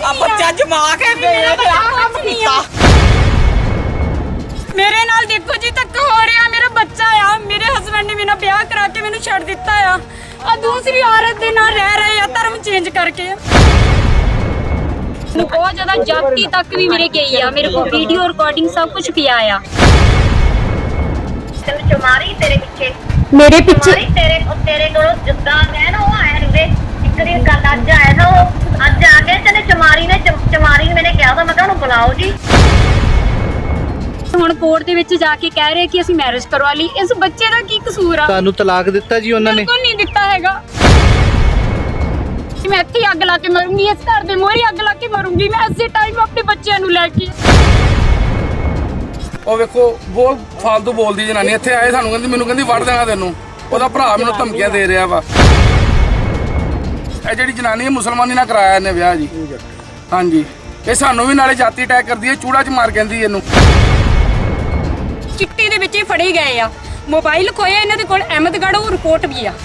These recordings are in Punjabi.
ਆ ਬੱਚਾ ਜਮਾ ਕੇ ਮੇਰੇ ਨਾਲ ਦੇਖੋ ਜੀ ਧੱਕਾ ਹੋ ਰਿਹਾ। ਮੇਰਾ ਬੱਚਾ ਆ, ਮੇਰੇ ਹਸਬੰਡ ਨੇ ਮੇਰਾ ਵਿਆਹ ਕਰਾ ਕੇ ਮੈਨੂੰ ਛੱਡ ਦਿੱਤਾ ਆ ਦੂਸਰੀ ਔਰਤ ਦੇ ਨਾਲ ਰਹਿ ਰਹੇ ਆ ਧਰਮ ਚੇਂਜ ਕਰਕੇ। बहुत ज्यादा जाति तक भी मेरे गई है, मेरे को वीडियो रिकॉर्डिंग सब कुछ पिया आ चुमारी तेरे पीछे मेरे पीछे तेरे कोलों जिद्दां है ना वो आया रे एक दिन कल अज आया था वो अज आ गए तेने चुमारी ने मैंने कहा था मैं कहा उन्हें बुलाओ जी। ਹੁਣ ਕੋਰਟ ਦੇ ਵਿੱਚ ਜਾ ਕੇ ਕਹਿ ਰਹੇ ਕਿ ਅਸੀਂ ਮੈਰਿਜ ਕਰਵਾ ਲਈ। ਇਸ ਬੱਚੇ ਦਾ ਕੀ ਕਸੂਰ ਆ? ਤੁਹਾਨੂੰ ਤਲਾਕ ਦਿੱਤਾ ਜੀ ਉਹਨਾਂ ਨੇ? ਬਿਲਕੁਲ ਨਹੀਂ ਦਿੱਤਾ ਹੈਗਾ। ਮੈਂ ਇੱਥੇ ਅੱਗ ਲਾ ਕੇ ਮਰੂੰਗੀ, ਇਸ ਘਰ ਦੇ ਮੋਹਰੇ ਅੱਗ ਲਾ ਕੇ ਮਰੂੰਗੀ ਮੈਂ ਇਸੇ ਟਾਈਮ ਆਪਣੇ ਬੱਚਿਆਂ ਨੂੰ ਲੈ ਕੇ। ਉਹ ਵੇਖੋ ਬਹੁਤ ਫਾਲਤੂ ਬੋਲਦੀ ਜਨਾਨੀ ਇੱਥੇ ਆਏ ਸਾਨੂੰ ਕਹਿੰਦੀ ਮੈਨੂੰ ਕਹਿੰਦੀ ਵੜ ਦੇਣਾ ਤੈਨੂੰ। ਉਹਦਾ ਭਰਾ ਮੈਨੂੰ ਧਮਕੀਆਂ ਦੇ ਰਿਹਾ ਵਾ। ਇਹ ਜਿਹੜੀ ਜਨਾਨੀ ਹੈ ਮੁਸਲਮਾਨੀ ਨਾਲ ਕਰਾਇਆ ਇਹਨੇ ਵਿਆਹ ਜੀ। ਹਾਂਜੀ ਇਹ ਸਾਨੂੰ ਵੀ ਨਾਲੇ ਜਾਤੀ ਅਟੈਕ ਕਰਦੀ ਹੈ, ਚੂੜਾ ਚ ਮਾਰ ਕਹਿੰਦੀ ਇਹਨੂੰ। ਚਿੱਟੀ ਦੇ ਵਿੱਚ ਹੀ ਫੜੇ ਗਏ ਆ, ਮੋਬਾਈਲ ਖੋਇਆ ਇਹਨਾਂ ਦੇ ਕੋਲ ਅਹਿਮਦਗੜ੍ਹ ਉਹ ਰਿਪੋਰਟ ਵੀ ਆ।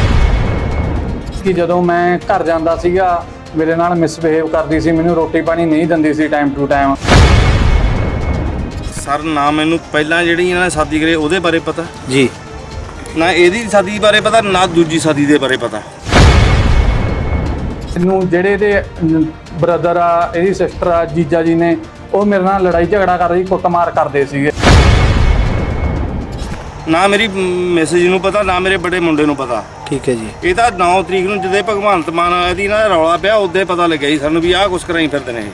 ਕਿ ਜਦੋਂ ਮੈਂ ਘਰ ਜਾਂਦਾ ਸੀਗਾ ਮੇਰੇ ਨਾਲ ਮਿਸਬਿਹੇਵ ਕਰਦੀ ਸੀ, ਮੈਨੂੰ ਰੋਟੀ ਪਾਣੀ ਨਹੀਂ ਦਿੰਦੀ ਸੀ ਟਾਈਮ ਟੂ ਟਾਈਮ। ਸਰ ਨਾ ਮੈਨੂੰ ਪਹਿਲਾਂ ਜਿਹੜੀ ਇਹਨਾਂ ਨੇ ਸ਼ਾਦੀ ਕਰੀ ਉਹਦੇ ਬਾਰੇ ਪਤਾ ਜੀ, ਨਾ ਇਹਦੀ ਸ਼ਾਦੀ ਬਾਰੇ ਪਤਾ, ਨਾ ਦੂਜੀ ਸ਼ਾਦੀ ਦੇ ਬਾਰੇ ਪਤਾ। ਇਹਨੂੰ ਜਿਹੜੇ ਇਹਦੇ ਬ੍ਰਦਰ ਆ, ਇਹਦੀ ਸਿਸਟਰ ਆ, ਜੀਜਾ ਜੀ ਨੇ ਉਹ ਮੇਰੇ ਨਾਲ ਲੜਾਈ ਝਗੜਾ ਕਰਦੇ ਸੀ, ਕੁੱਟਮਾਰ ਕਰਦੇ ਸੀਗੇ। ਨਾ ਮੇਰੀ ਮੈਸੇਜ ਨੂੰ ਪਤਾ, ਨਾ ਮੇਰੇ ਬੜੇ ਮੁੰਡੇ ਨੂੰ ਪਤਾ। ਠੀਕ ਹੈ ਜੀ। ਇਹ ਤਾਂ 9 ਤਰੀਕ ਨੂੰ ਜਦੋਂ ਭਗਵੰਤ ਮਾਨ ਇਹਦੀ ਨਾ ਰੌਲਾ ਪਿਆ ਉਦੋਂ ਪਤਾ ਲੱਗਿਆ ਸੀ ਸਾਨੂੰ ਵੀ ਆਹ ਕੁਛ ਕਰਾਈ ਫਿਰਦੇ ਨੇ।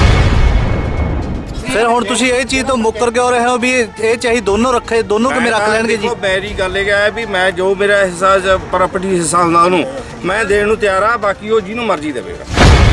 ਫਿਰ ਹੁਣ ਤੁਸੀਂ ਇਹ ਚੀਜ਼ ਤੋਂ ਮੁੱਕਰ ਕਿਉਂ ਰਹੇ ਹੋ ਵੀ ਇਹ ਚਾਹੀ ਦੋਨੋਂ ਰੱਖੇ, ਦੋਨੋਂ ਕਿਵੇਂ ਰੱਖ ਲੈਣਗੇ ਜੀ? ਮੇਰੀ ਗੱਲ ਇਹ ਹੈ ਵੀ ਮੈਂ ਜੋ ਮੇਰਾ ਹਿੱਸਾ ਪ੍ਰਾਪਰਟੀ ਹਿੱਸਾ ਹੁੰਦਾ ਉਹਨੂੰ ਮੈਂ ਦੇਣ ਨੂੰ ਤਿਆਰ ਆ, ਬਾਕੀ ਉਹ ਜਿਹਨੂੰ ਮਰਜ਼ੀ ਦੇਵੇਗਾ।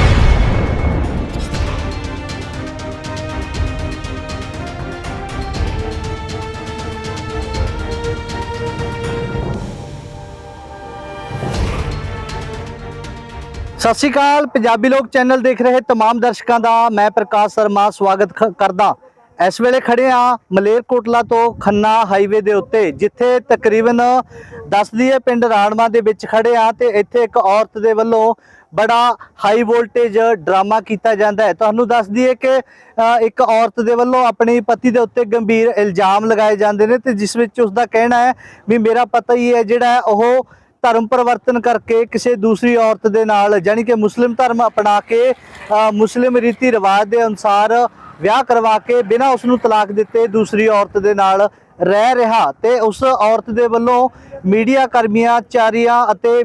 ਸਤਿ ਸ਼੍ਰੀ ਅਕਾਲ, ਪੰਜਾਬੀ ਲੋਕ ਚੈਨਲ ਦੇਖ ਰਹੇ ਤਮਾਮ ਦਰਸ਼ਕਾਂ ਦਾ ਮੈਂ ਪ੍ਰਕਾਸ਼ ਸ਼ਰਮਾ ਸਵਾਗਤ ਕਰਦਾ। ਇਸ ਵੇਲੇ ਖੜੇ ਆ ਮਲੇਰਕੋਟਲਾ ਤੋਂ ਖੰਨਾ ਹਾਈਵੇ ਦੇ ਉੱਤੇ, ਜਿੱਥੇ ਤਕਰੀਬਨ ਦੱਸਦੀ ਹੈ ਪਿੰਡ ਰਾਣਵਾ ਦੇ ਵਿੱਚ ਖੜੇ ਆ ਤੇ ਇੱਥੇ ਇੱਕ ਔਰਤ ਦੇ ਵੱਲੋਂ ਬੜਾ ਹਾਈ ਵੋਲਟੇਜ ਡਰਾਮਾ ਕੀਤਾ ਜਾਂਦਾ ਹੈ। ਤੁਹਾਨੂੰ ਦੱਸ ਦਈਏ ਕਿ ਇੱਕ ਔਰਤ ਦੇ ਵੱਲੋਂ ਆਪਣੇ ਪਤੀ ਦੇ ਉੱਤੇ ਗੰਭੀਰ ਇਲਜ਼ਾਮ ਲਗਾਏ ਜਾਂਦੇ ਨੇ ਤੇ ਜਿਸ ਵਿੱਚ ਉਸ ਦਾ ਕਹਿਣਾ ਹੈ ਵੀ ਮੇਰਾ ਪਤਾ ਹੀ ਹੈ ਜਿਹੜਾ ਉਹ ਧਰਮ ਪਰਿਵਰਤਨ ਕਰਕੇ ਕਿਸੇ ਦੂਸਰੀ ਔਰਤ ਦੇ ਨਾਲ ਜਾਨੀ ਕਿ ਮੁਸਲਿਮ ਧਰਮ ਅਪਣਾ ਕੇ ਮੁਸਲਿਮ ਰੀਤੀ ਰਿਵਾਜ ਦੇ ਅਨੁਸਾਰ ਵਿਆਹ ਕਰਵਾ ਕੇ ਬਿਨਾਂ ਉਸ ਨੂੰ ਤਲਾਕ ਦਿੱਤੇ ਦੂਸਰੀ ਔਰਤ ਦੇ ਨਾਲ ਰਹਿ ਰਿਹਾ। ਤੇ ਉਸ ਔਰਤ ਦੇ ਵੱਲੋਂ ਮੀਡੀਆ ਕਰਮਚਾਰੀਆਂ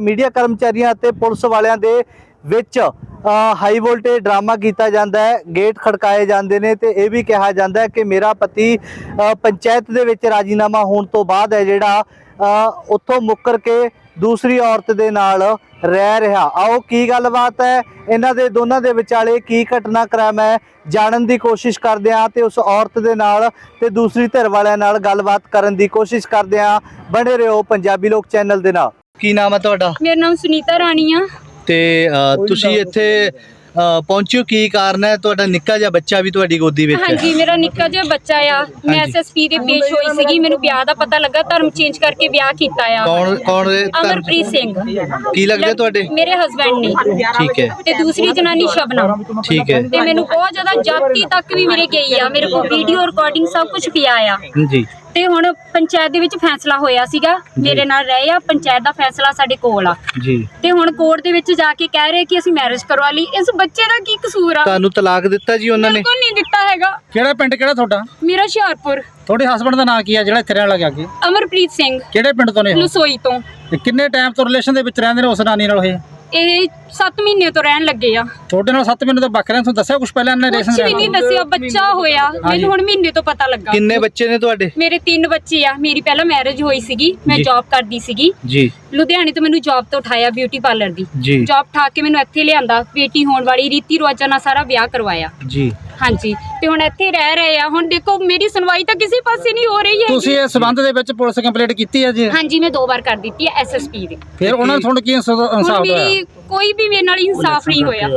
ਅਤੇ ਪੁਲਿਸ ਵਾਲਿਆਂ ਦੇ ਵਿੱਚ ਹਾਈ ਵੋਲਟੇਜ ਡਰਾਮਾ ਕੀਤਾ ਜਾਂਦਾ ਹੈ, ਗੇਟ ਖੜਕਾਏ ਜਾਂਦੇ ਨੇ ਤੇ ਇਹ ਵੀ ਕਿਹਾ ਜਾਂਦਾ ਹੈ ਕਿ ਮੇਰਾ ਪਤੀ ਪੰਚਾਇਤ ਦੇ ਵਿੱਚ ਰਾਜੀਨਾਮਾ ਹੋਣ ਤੋਂ ਬਾਅਦ ਹੈ ਜਿਹੜਾ ਉੱਥੋਂ ਮੁੱਕਰ ਕੇ ਦੂਸਰੀ ਔਰਤ ਦੇ ਨਾਲ ਰਹਿ ਰਿਹਾ। ਆਓ ਕੀ ਗੱਲਬਾਤ ਹੈ ਇਹਨਾਂ ਦੇ ਦੋਨਾਂ ਦੇ ਵਿਚਾਲੇ, ਕੀ ਘਟਨਾਕ੍ਰਮ ਹੈ, ਜਾਣਨ ਦੀ ਕੋਸ਼ਿਸ਼ ਕਰਦੇ ਹਾਂ ਤੇ ਉਸ ਔਰਤ ਦੇ ਨਾਲ ਤੇ ਦੂਸਰੀ ਧਿਰ ਵਾਲਿਆਂ ਨਾਲ ਗੱਲਬਾਤ ਕਰਨ ਦੀ ਕੋਸ਼ਿਸ਼ ਕਰਦੇ ਹਾਂ। ਬਣੇ ਰਹੋ ਪੰਜਾਬੀ ਲੋਕ ਚੈਨਲ ਦੇ ਨਾਲ। ਕੀ ਨਾਮ ਹੈ ਤੁਹਾਡਾ? ਮੇਰਾ ਨਾਮ ਸੁਨੀਤਾ ਰਾਣੀ ਆ। ਤੇ ਤੁਸੀਂ ਇੱਥੇ ਪਹੁੰਚਿਓ, ਕੀ ਕਾਰਨ ਹੈ? ਤੁਹਾਡਾ ਨਿੱਕਾ ਜਿਹਾ ਬੱਚਾ ਵੀ ਤੁਹਾਡੀ ਗੋਦੀ ਵਿੱਚ ਹੈ? ਹਾਂਜੀ, ਮੇਰਾ ਨਿੱਕਾ ਜਿਹਾ ਬੱਚਾ ਆ। ਮੈਂ ਐਸਐਸਪੀ ਦੇ ਪੇਸ਼ ਹੋਈ ਸੀਗੀ, ਮੈਨੂੰ ਵਿਆਹ ਦਾ ਪਤਾ ਲੱਗਾ, ਧਰਮ ਚੇਂਜ ਕਰਕੇ ਵਿਆਹ ਕੀਤਾ ਆ। ਕੌਣ? ਅਮਰਪ੍ਰੀਤ ਸਿੰਘ। ਕੀ ਲੱਗਦੇ ਤੁਹਾਡੇ? ਮੇਰੇ ਹਸਬੰਡ ਨੇ। ਠੀਕ ਹੈ। ਤੇ ਦੂਸਰੀ ਜਨਾਨੀ ਸ਼ਬਨਮ। ਠੀਕ ਹੈ। ਤੇ ਮੈਨੂੰ ਬਹੁਤ ਜ਼ਿਆਦਾ ਜਾਤੀ ਤੱਕ ਵੀ ਮੇਰੇ ਗਈ ਆ, ਮੇਰੇ ਕੋਲ ਵੀਡੀਓ ਰਿਕਾਰਡਿੰਗ ਸਭ ਕੁਝ ਪਿਆ ਆ ਜੀ। ਤੇ ਹੁਣ ਪੰਚਾਇਤ ਦੇ ਵਿੱਚ ਫੈਸਲਾ ਹੋਇਆ ਸੀਗਾ, ਮੇਰੇ ਨਾਲ ਰਹੇ ਆ, ਪੰਚਾਇਤ ਦਾ ਫੈਸਲਾ ਸਾਡੇ ਕੋਲ ਆ ਜੀ। ਤੇ ਹੁਣ ਕੋਰਟ ਦੇ ਵਿੱਚ ਜਾ ਕੇ ਕਹਿ ਰਹੇ ਕਿ ਅਸੀਂ ਮੈਰਿਜ ਕਰਵਾ ਲਈ। ਇਸ ਬੱਚੇ ਦਾ ਕੀ ਕਸੂਰ ਆ? ਤੁਹਾਨੂੰ ਤਲਾਕ ਦਿੱਤਾ ਜੀ ਉਹਨਾਂ ਨੇ? ਬਿਲਕੁਲ ਨਹੀਂ ਦਿੱਤਾ ਹੈਗਾ। ਕਿਹੜਾ ਪਿੰਡ, ਕਿਹੜਾ ਤੁਹਾਡਾ? ਮੇਰਾ ਹੁਸ਼ਿਆਰਪੁਰ। ਤੁਹਾਡੇ ਹਸਬੰਡ ਦਾ ਨਾਂ ਕੀ ਹੈ ਜਿਹੜਾ ਇੱਥੇ ਰਹਿਣ ਲੱਗਿਆ? ਅੱਗੇ ਅਮਰਪ੍ਰੀਤ ਸਿੰਘ। ਕਿਹੜੇ ਪਿੰਡ ਤੋਂ ਨੇ? ਲਸੋਈ ਤੋਂ। ਤੇ ਕਿੰਨੇ ਟਾਈਮ ਤੋਂ ਰਿਲੇਸ਼ਨ ਦੇ ਵਿੱਚ ਰਹਿੰਦੇ ਨੇ ਉਸ ਨਾਨੀ ਨਾਲ? ਇਹ 7 ਮਹੀਨੇ ਤੋਂ ਰਹਿਣ ਲੱਗੇ ਆ। ਤੁਹਾਡੇ ਨਾਲ 7 ਮਹੀਨੇ ਤੋਂ ਵੱਖ ਰਹਿਣ? ਤੁਹਾਨੂੰ ਦੱਸਿਆ ਕੁਝ ਪਹਿਲਾਂ ਇਹਨਾਂ ਨੇ? ਕੁਝ ਵੀ ਨਹੀਂ ਦੱਸਿਆ, ਬੱਚਾ ਹੋਇਆ ਮੈਨੂੰ ਹੁਣ ਮਹੀਨੇ ਤੋਂ ਪਤਾ ਲੱਗਾ। ਕਿੰਨੇ ਬੱਚੇ ਨੇ ਤੁਹਾਡੇ? ਮੇਰੇ 3 ਬੱਚੇ ਆ। ਮੇਰੀ ਪਹਿਲਾਂ ਮੈਰਿਜ ਹੋਈ ਸੀਗੀ, ਮੈਂ ਜੌਬ ਕਰਦੀ ਸੀਗੀ ਜੀ। ਲੁਧਿਆਣੇ ਤੋਂ ਮੈਨੂੰ ਜੌਬ ਤੋਂ ਉਠਾਇਆ, ਬਿਊਟੀ ਪਾਰਲਰ ਦੀ ਜੌਬ ਠਾ ਕੇ ਮੈਨੂੰ ਇੱਥੇ ਲਿਆਂਦਾ, ਬੇਟੀ ਹੋਣ ਵਾਲੀ ਰੀਤੀ ਰਿਵਾਜਾਂ ਨਾਲ ਸਾਰਾ ਵਿਆਹ ਕਰਵਾਇਆ ਜੀ। ਹਾਂਜੀ, ਤੇ ਹੁਣ ਇੱਥੇ ਰਹਿ ਰਹੇ ਆ। ਹੁਣ ਦੇਖੋ ਮੇਰੀ ਸੁਣਵਾਈ ਤਾਂ ਕਿਸੇ ਪਾਸੇ ਨਹੀਂ ਹੋ ਰਹੀ ਹੈ। ਤੁਸੀਂ ਇਸ ਸੰਬੰਧ ਦੇ ਵਿੱਚ ਪੁਲਿਸ ਕੰਪਲੇਂਟ ਕੀਤੀ ਹੈ ਜੀ? ਹਾਂਜੀ, ਮੈਂ 2 ਵਾਰ ਕਰ ਦਿੱਤੀ ਹੈ ਐਸਐਸਪੀ ਦੇ। ਫਿਰ ਉਹਨਾਂ ਨੇ ਤੁਹਾਨੂੰ ਕੀ ਇਨਸਾਫ ਹੋਇਆ? ਕੋਈ ਵੀ ਮੇਰੇ ਨਾਲ ਇਨਸਾਫ ਨਹੀਂ ਹੋਇਆ।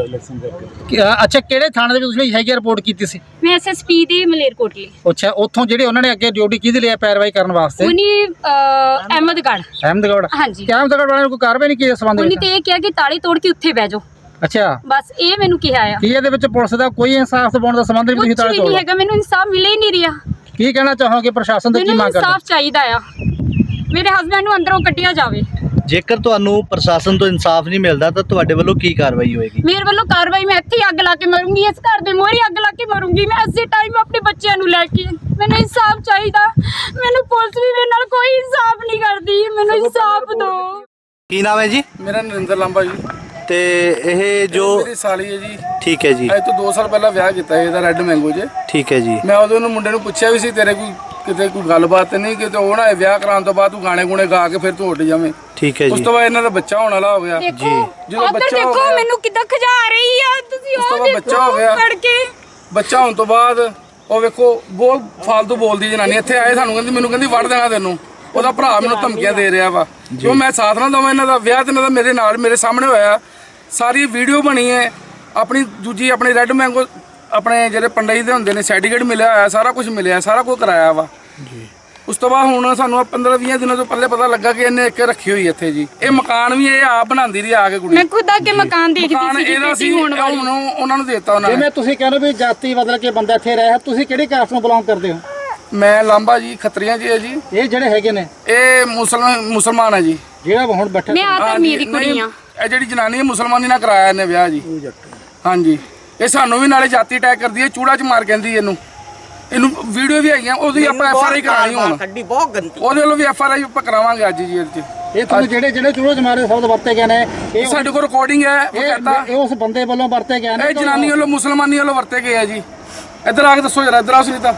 ਅੱਛਾ, ਕਿਹੜੇ ਥਾਣੇ ਦੇ ਵਿੱਚ ਤੁਸੀਂ ਹੈਗੀ ਰਿਪੋਰਟ ਕੀਤੀ ਸੀ? ਮੈਂ ਐਸਐਸਪੀ ਦੇ ਮਲੇਰਕੋਟਲੇ। ਅੱਛਾ, ਉੱਥੋਂ ਜਿਹੜੇ ਉਹਨਾਂ ਨੇ ਅੱਗੇ ਡਿਊਟੀ ਕਿਹਦੇ ਲਈ ਪੈਰਵਾਈ ਕਰਨ ਵਾਸਤੇ? ਉਹਨੇ ਅਹਿਮਦਗੜ੍ਹ। ਹਾਂਜੀ। ਅਹਿਮਦਗੜ੍ਹ ਵਾਲਿਆਂ ਨੇ ਕੋਈ ਕਾਰਵਾਈ ਨਹੀਂ ਕੀਤੀ ਇਸ ਸੰਬੰਧ ਵਿੱਚ? ਉਹਨੇ ਤੇ ਇਹ ਕਿਹਾ ਕਿ ਤਾਲੇ ਤੋੜ ਕੇ ਉੱਥੇ ਬਹਿ ਜਾਓ। ਅੱਛਾ, ਬਸ ਇਹ ਮੈਨੂੰ ਕਿਹਾ ਆ। ਕੀ ਇਹਦੇ ਵਿੱਚ ਪੁਲਿਸ ਦਾ ਕੋਈ ਇਨਸਾਫ ਦਿਵਾਉਣ ਦਾ ਸੰਬੰਧ ਨਹੀਂ? ਤੁਸੀਂ ਕੁਝ ਵੀ ਤਾਲੇ ਨਹੀਂ ਤੋੜ ਹੈਗਾ, ਮੈਨੂੰ ਇਨਸਾਫ ਮਿਲੇ ਹੀ ਨਹੀਂ ਰਿਹਾ। ਕੀ ਕਹਿਣਾ ਚਾਹੋਗੇ ਪ੍ਰਸ਼ਾਸਨ ਤੋਂ, ਕੀ ਮੈਨੂੰ ਮੰਗ ਕਰਦੇ? ਇਨਸਾਫ ਚਾਹੀਦਾ ਆ, ਮੇਰੇ ਹਸਬੰਡ ਨੂੰ ਅੰਦਰੋਂ ਕੱਢਿਆ ਜਾਵੇ। ਜੇਕਰ ਤੁਹਾਨੂੰ ਪ੍ਰਸ਼ਾਸਨ ਤੋਂ ਇਨਸਾਫ ਨਹੀਂ ਮਿਲਦਾ ਤਾਂ ਤੁਹਾਡੇ ਵੱਲੋਂ ਕੀ ਕਾਰਵਾਈ ਹੋਏਗੀ? ਮੇਰੇ ਵੱਲੋਂ ਕਾਰਵਾਈ, ਮੈਂ ਇੱਥੇ ਹੀ ਅੱਗ ਲਾ ਕੇ ਮਰੂੰਗੀ, ਇਸ ਘਰ ਦੇ ਮੋਹਰੇ ਅੱਗ ਲਾ ਕੇ ਮਰੂੰਗੀ ਮੈਂ ਇਸੇ ਟਾਈਮ ਆਪਣੇ ਬੱਚਿਆਂ ਨੂੰ ਲੈ ਕੇ। ਮੈਨੂੰ ਇਨਸਾਫ ਚਾਹੀਦਾ, ਮੈਨੂੰ ਪੁਲਿਸ ਵੀ ਮੇਰੇ ਨਾਲ ਕੋਈ ਇਨਸਾਫ ਨਹੀਂ ਕਰਦੀ, ਮੈਨੂੰ ਇਨਸਾਫ ਦਿਓ। ਕੀ ਨਾਮ ਹੈ ਜੀ? ਮੇਰਾ ਨਰਿੰਦਰ ਲਾਂਬਾ ਜੀ। ਤੇ ਇਹ ਜੋ ਮੇਰੀ ਸਾਲੀ ਹੈ ਜੀ। ਠੀਕ ਹੈ ਜੀ, ਅੱਜ ਤੋਂ 2 ਸਾਲ ਪਹਿਲਾਂ ਵਿਆਹ ਕੀਤਾ ਇਹਦਾ ਰੈੱਡ ਮੈਂਗੋ 'ਚ। ਠੀਕ ਹੈ ਜੀ, ਮੈਂ ਉਦੋਂ ਨੂੰ ਮੁੰਡੇ ਨੂੰ ਪੁੱਛਿਆ ਵੀ ਸੀ ਤੇਰੇ ਕਿਤੇ ਕੋਈ ਗੱਲਬਾਤ ਨਹੀਂ, ਕਿਤੇ ਉਹ ਨਾ ਵਿਆਹ ਕਰਾਉਣ ਤੋਂ ਬਾਅਦ ਤੂੰ ਗਾਣੇ ਗੁਣੇ ਗਾ ਕੇ ਫਿਰ ਤੂੰ ਉੱਡ ਜਾਵੇਂ। ਠੀਕ ਹੈ ਉਸ ਜੀ, ਤੋਂ ਬਾਅਦ ਇਹਨਾਂ ਦਾ ਬੱਚਾ ਹੋਣ ਵਾਲਾ ਹੋ ਗਿਆ। ਦੇਖੋ ਜਦੋਂ ਉੱਧਰ ਬੱਚਾ ਹੋ ਦੇਖੋ ਗਿਆ, ਮੈਨੂੰ ਕਿੱਦਾਂ ਖਜਾ ਰਹੀ ਆ, ਤੁਸੀਂ ਉਸ ਤੋਂ ਉਹ ਬਾਅਦ ਬੱਚਾ ਹੋ ਗਿਆ। ਫੜ ਕੇ ਬੱਚਾ ਹੋਣ ਤੋਂ ਬਾਅਦ ਉਹ ਵੇਖੋ ਬਹੁਤ ਫਾਲਤੂ ਬੋਲਦੀ ਜਨਾਨੀ। ਇੱਥੇ ਆਏ ਸਾਨੂੰ ਕਹਿੰਦੀ ਮੈਨੂੰ ਕਹਿੰਦੀ ਵੜ ਦੇਣਾ ਤੈਨੂੰ। ਉਹਦਾ ਭਰਾ ਮੈਨੂੰ ਧਮਕੀਆਂ ਦੇ ਰਿਹਾ ਵਾ ਜੋ ਮੈਂ ਸਾਥ ਨਾ ਦਵਾਂ। ਇਹਨਾਂ ਦਾ ਵਿਆਹ ਤੇ ਇਹਨਾਂ ਦਾ ਮੇਰੇ ਨਾਲ ਮੇਰੇ ਸਾਹਮਣੇ ਹੋਇਆ, ਸਾਰੀ ਵੀਡੀਓ ਬਣੀ ਹੈ। ਆਪਣੀ ਦੂਜੀ ਆਪਣੀ ਰੈੱਡ ਮੈਂਗੋ ਆਪਣੇ ਜਿਹੜੇ ਪੰਡਈ ਦੇ ਹੁੰਦੇ ਨੇ ਸਰਟੀਫਿਕੇਟ ਮਿਲਿਆ ਹੋਇਆ, ਸਾਰਾ ਕੁਝ ਮਿਲਿਆ, ਸਾਰਾ ਕੁਝ ਕਰਾਇਆ ਵਾ। ਉਸ ਤੋਂ ਬਾਅਦ ਹੁਣ ਸਾਨੂੰ 15-20 ਦਿਨਾਂ ਤੋਂ ਪਹਿਲੇ ਪਤਾ ਲੱਗਾ ਕਿ ਇਹਨੇ ਇੱਕ ਰੱਖੀ ਹੋਈ ਇੱਥੇ ਜੀ। ਇਹ ਮਕਾਨ ਵੀ ਇਹ ਆਪ ਬਣਾਉਂਦੀ ਰਹੀ ਆ ਕੇ ਕੁੜੀ। ਮੈਂ ਖੁਦ ਆ ਕੇ ਮਕਾਨ ਦੇਖਦੀ ਮਕਾਨ ਸੀ ਇਹਦਾ ਸੀ, ਹੁਣ ਉਹਨਾਂ ਨੂੰ ਦੇਤਾ ਉਹਨਾਂ ਨੇ। ਜਿਵੇਂ ਤੁਸੀਂ ਕਹਿੰਦੇ ਵੀ ਜਾਤੀ ਬਦਲ ਕੇ ਬੰਦਾ ਇੱਥੇ ਰਿਹਾ, ਤੁਸੀਂ ਕਿਹੜੀ ਕਾਸਟ ਨੂੰ ਬਿਲੋਂਗ ਕਰਦੇ ਹੋ? ਮੈਂ ਲਾਂਬਾ ਜੀ, ਖੱਤਰੀਆਂ ਜੀ ਹੈ ਜੀ। ਇਹ ਜਿਹੜੇ ਹੈਗੇ ਨੇ, ਇਹ ਮੁਸਲਮਾਨ ਹੈ ਜੀ। ਜਿਹੜਾ ਹੁਣ ਬੈਠਾ ਮੈਂ ਆ ਤਾਂ ਮੇਰੀ ਕੁੜੀ ਆ। ਇਹ ਜਿਹੜੀ ਜਨਾਨੀ ਹੈ ਮੁਸਲਮਾਨੀ ਨਾਲ ਕਰਾਇਆ ਇਹਨੇ ਵਿਆਹ ਜੀ। ਹਾਂਜੀ, ਇਹ ਸਾਨੂੰ ਵੀ ਨਾਲੇ ਜਾਤੀ ਅਟੈਕ ਕਰਦੀ ਹੈ, ਚੂੜਾ ਚ ਮਾਰ ਕਹਿੰਦੀ ਇਹਨੂੰ ਵੀਡੀਓ ਵੀ ਹੈਗੀਆਂ, ਉਹਦੀ ਆਪਾਂ ਐਫਆਰਆਈ ਕਰਾਣੀ ਹੁਣ। ਉਹਦੇ ਵੱਲੋਂ ਵੀ ਐਫਆਰਆਈ ਆਪਾਂ ਕਰਾਵਾਂਗੇ ਅੱਜ ਜੀ ਇਹਦੇ ਚ। ਇਹ ਤੁਹਾਨੂੰ ਜਿਹੜੇ ਚੂੜੇ ਚ ਮਾਰੇ ਸ਼ਬਦ ਵਰਤੇ ਗਏ ਨੇ, ਇਹ ਸਾਡੇ ਕੋਲ ਰਿਕਾਰਡਿੰਗ ਹੈ, ਉਹ ਕਹਿੰਦਾ ਇਹ ਉਸ ਬੰਦੇ ਵੱਲੋਂ ਵਰਤੇ ਗਏ ਨੇ। ਇਹ ਜਨਾਨੀ ਵੱਲੋਂ ਮੁਸਲਮਾਨੀ ਵੱਲੋਂ ਵਰਤੇ ਗਏ ਆ ਜੀ। ਇੱਧਰ ਆ ਕੇ ਦੱਸੋ ਜਰਾ, ਇੱਧਰ ਆਓ ਸੁਨੀਤਾ।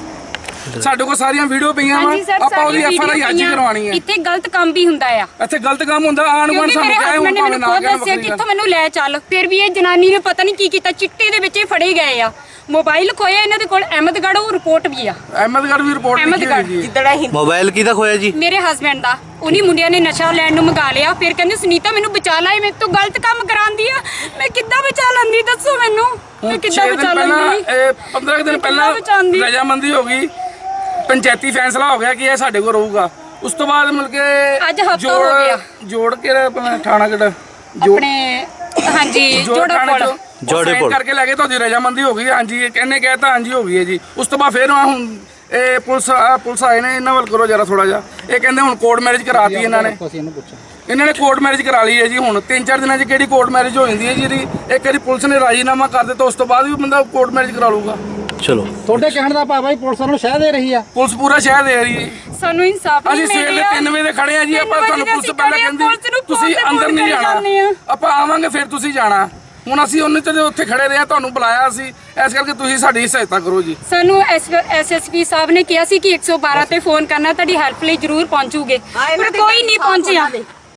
ਸਾਡੇ ਕੋਲ ਸਾਰੀਆਂ ਵੀਡੀਓ ਪਈਆਂ ਵਾ, ਹਾਂਜੀ ਸਰ, ਆਪਾਂ ਉਹਦੀ ਐਫਆਰਆਈ ਅੱਜ ਹੀ ਕਰਵਾਣੀ ਹੈ। ਇੱਥੇ ਗਲਤ ਕੰਮ ਵੀ ਹੁੰਦਾ ਆ। ਇੱਥੇ ਗਲਤ ਕੰਮ ਹੁੰਦਾ, ਆਣ ਗੁਆਂਢ ਸਾਨੂੰ ਕਹੇ ਹੁਣ ਭਾਵੇਂ ਨਾ ਕਹਿਣ ਦੱਸਿਆ ਕਿੱਥੋਂ ਮੈਨੂੰ ਲੈ ਚੱਲ, ਫਿਰ ਵੀ ਇਹ ਜਨਾਨੀ ਨੇ ਪਤਾ ਨਹੀਂ ਕੀ ਕੀਤਾ, ਚਿੱਟੇ ਦੇ ਵਿੱਚ ਇਹ ਫੜੇ ਗਏ ਆ। ਮੋਬਾਈਲ ਖੋਇਆ ਇਹਨਾਂ ਦੇ ਕੋਲ, ਅਹਿਮਦਗੜ੍ਹ ਉਹ ਰਿਪੋਰਟ ਵੀ ਆ। ਅਹਿਮਦਗੜ੍ਹ ਵੀ ਰਿਪੋਰਟ ਲਿਖੀ ਹੋਈ ਜੀ। ਮੋਬਾਈਲ ਕਿਹਦਾ ਖੋਇਆ ਜੀ? ਮੇਰੇ ਹਸਬੈਂਡ ਦਾ। ਉਨੀ ਮੁੰਡਿਆਂ ਨੇ ਨਸ਼ਾ ਲੈਣ ਨੂੰ ਮੰਗਾ ਲਿਆ, ਫਿਰ ਕਹਿੰਦੇ ਸੁਨੀਤਾ ਮੈਨੂੰ ਬਚਾ ਲੈ, ਮੇਰੇ ਤੋਂ ਗਲਤ ਕੰਮ ਕਰਾਉਂਦੀ ਆ। ਮੈਂ ਕਿੱਦਾਂ ਬਚਾ ਲੈਂਦੀ, ਦੱਸੋ ਮੈਨੂੰ, ਮੈਂ ਕਿੱਦਾਂ ਬਚਾ ਲੈਂਦੀ? 15 ਦਿਨ ਪਹਿਲਾਂ ਰਜਾਮੰਦੀ ਹੋ ਗਈ, ਪੰਚਾਇਤੀ ਫੈਸਲਾ ਹੋ ਗਿਆ ਕਿ ਇਹ ਸਾਡੇ ਕੋਲ ਰਹੂਗਾ। ਉਸ ਤੋਂ ਬਾਅਦ ਮਿਲ ਕੇ ਅੱਜ ਹਫ਼ਤਾ ਹੋ ਗਿਆ। ਜੋੜ ਕੇ ਆਪਣਾ ਥਾਣਾ ਕਿਹੜਾ ਆਪਣੇ ਹਾਂਜੀ ਜੋੜੇ ਪੁਲ ਕਰਕੇ ਲੈ ਕੇ ਤੁਹਾਡੀ ਰਜਾਮੰਦੀ ਹੋ ਗਈ। ਹਾਂਜੀ, ਇਹ ਕਹਿੰਨੇ ਕਹਿਤਾ ਹਾਂਜੀ ਹੋ ਗਈ ਹੈ ਜੀ। ਉਸ ਤੋਂ ਬਾਅਦ ਫਿਰ ਹੁਣ ਇਹ ਪੁਲਿਸ ਆਏ ਨੇ, ਇਹਨਾਂ ਵੱਲ ਕਰੋ ਜਰਾ ਥੋੜਾ ਜਿਹਾ। ਇਹ ਕਹਿੰਦੇ ਹੁਣ ਕੋਰਟ ਮੈਰਿਜ ਕਰਾਤੀ ਇਹਨਾਂ ਨੇ। ਇਹਨਾਂ ਨੇ ਕੋਰਟ ਮੈਰਿਜ ਕਰਾ ਲਈ ਹੈ ਜੀ। ਹੁਣ 3-4 ਦਿਨਾਂ 'ਚ ਕਿਹੜੀ ਕੋਰਟ ਮੈਰਿਜ ਹੋ ਜਾਂਦੀ ਹੈ ਜੀ ਇਹਦੀ? ਇੱਕ ਵਾਰੀ ਪੁਲਿਸ ਨੇ ਰਾਜੀਨਾਮਾ ਕਰ ਦਿੱਤਾ, ਉਸ ਤੋਂ ਬਾਅਦ ਵੀ ਬੰਦਾ ਕੋਰਟ ਮੈਰਿਜ ਕਰਾ ਲੂਗਾ। ਚਲੋ, ਤੁਹਾਡੇ ਕਹਿਣ ਦਾ ਭਾਵ ਹੈ ਪੁਲਿਸ ਨੂੰ ਸ਼ਹਿ ਦੇ ਰਹੀ ਆ। ਪੁਲਿਸ ਪੂਰਾ ਸ਼ਹਿਰ ਦੇ ਰਹੀ ਹੈ। ਸਾਨੂੰ ਇਨਸਾਫ ਨਹੀਂ ਅਸੀਂ ਮਿਲ ਸਵੇਰ ਦੇ ਰਿਹਾ। 3 ਵਜੇ ਦੇ ਖੜੇ ਆ ਜੀ। ਆਪਾਂ ਤੁਹਾਨੂੰ ਪੁਲਿਸ ਪਹਿਲਾਂ ਕਹਿੰਦੀ ਤੁਸੀਂ ਅੰਦਰ ਨਹੀਂ ਜਾਣਾ, ਆਪਾਂ ਆਵਾਂਗੇ ਫਿਰ ਤੁਸੀਂ ਜਾਣਾ। ਹੁਣ ਅਸੀਂ ਉਹਨੇ ਤੇ ਉੱਥੇ ਖੜੇ ਰਹੇ ਆ, ਤੁਹਾਨੂੰ ਬੁਲਾਇਆ ਸੀ, ਇਸ ਕਰਕੇ ਤੁਸੀਂ ਸਾਡੀ ਸਹਾਇਤਾ ਕਰੋ ਜੀ। ਸਾਨੂੰ ਐਸਐਸਪੀ ਸਾਹਿਬ ਨੇ ਕਿਹਾ ਸੀ ਕਿ 112 ਤੇ ਫੋਨ ਕਰਨਾ, ਤੁਹਾਡੀ ਹੈਲਪ ਲਈ ਜ਼ਰੂਰ ਪਹੁੰਚੂਗੇ, ਪਰ ਕੋਈ ਨਹੀਂ ਪਹੁੰਚਿਆ।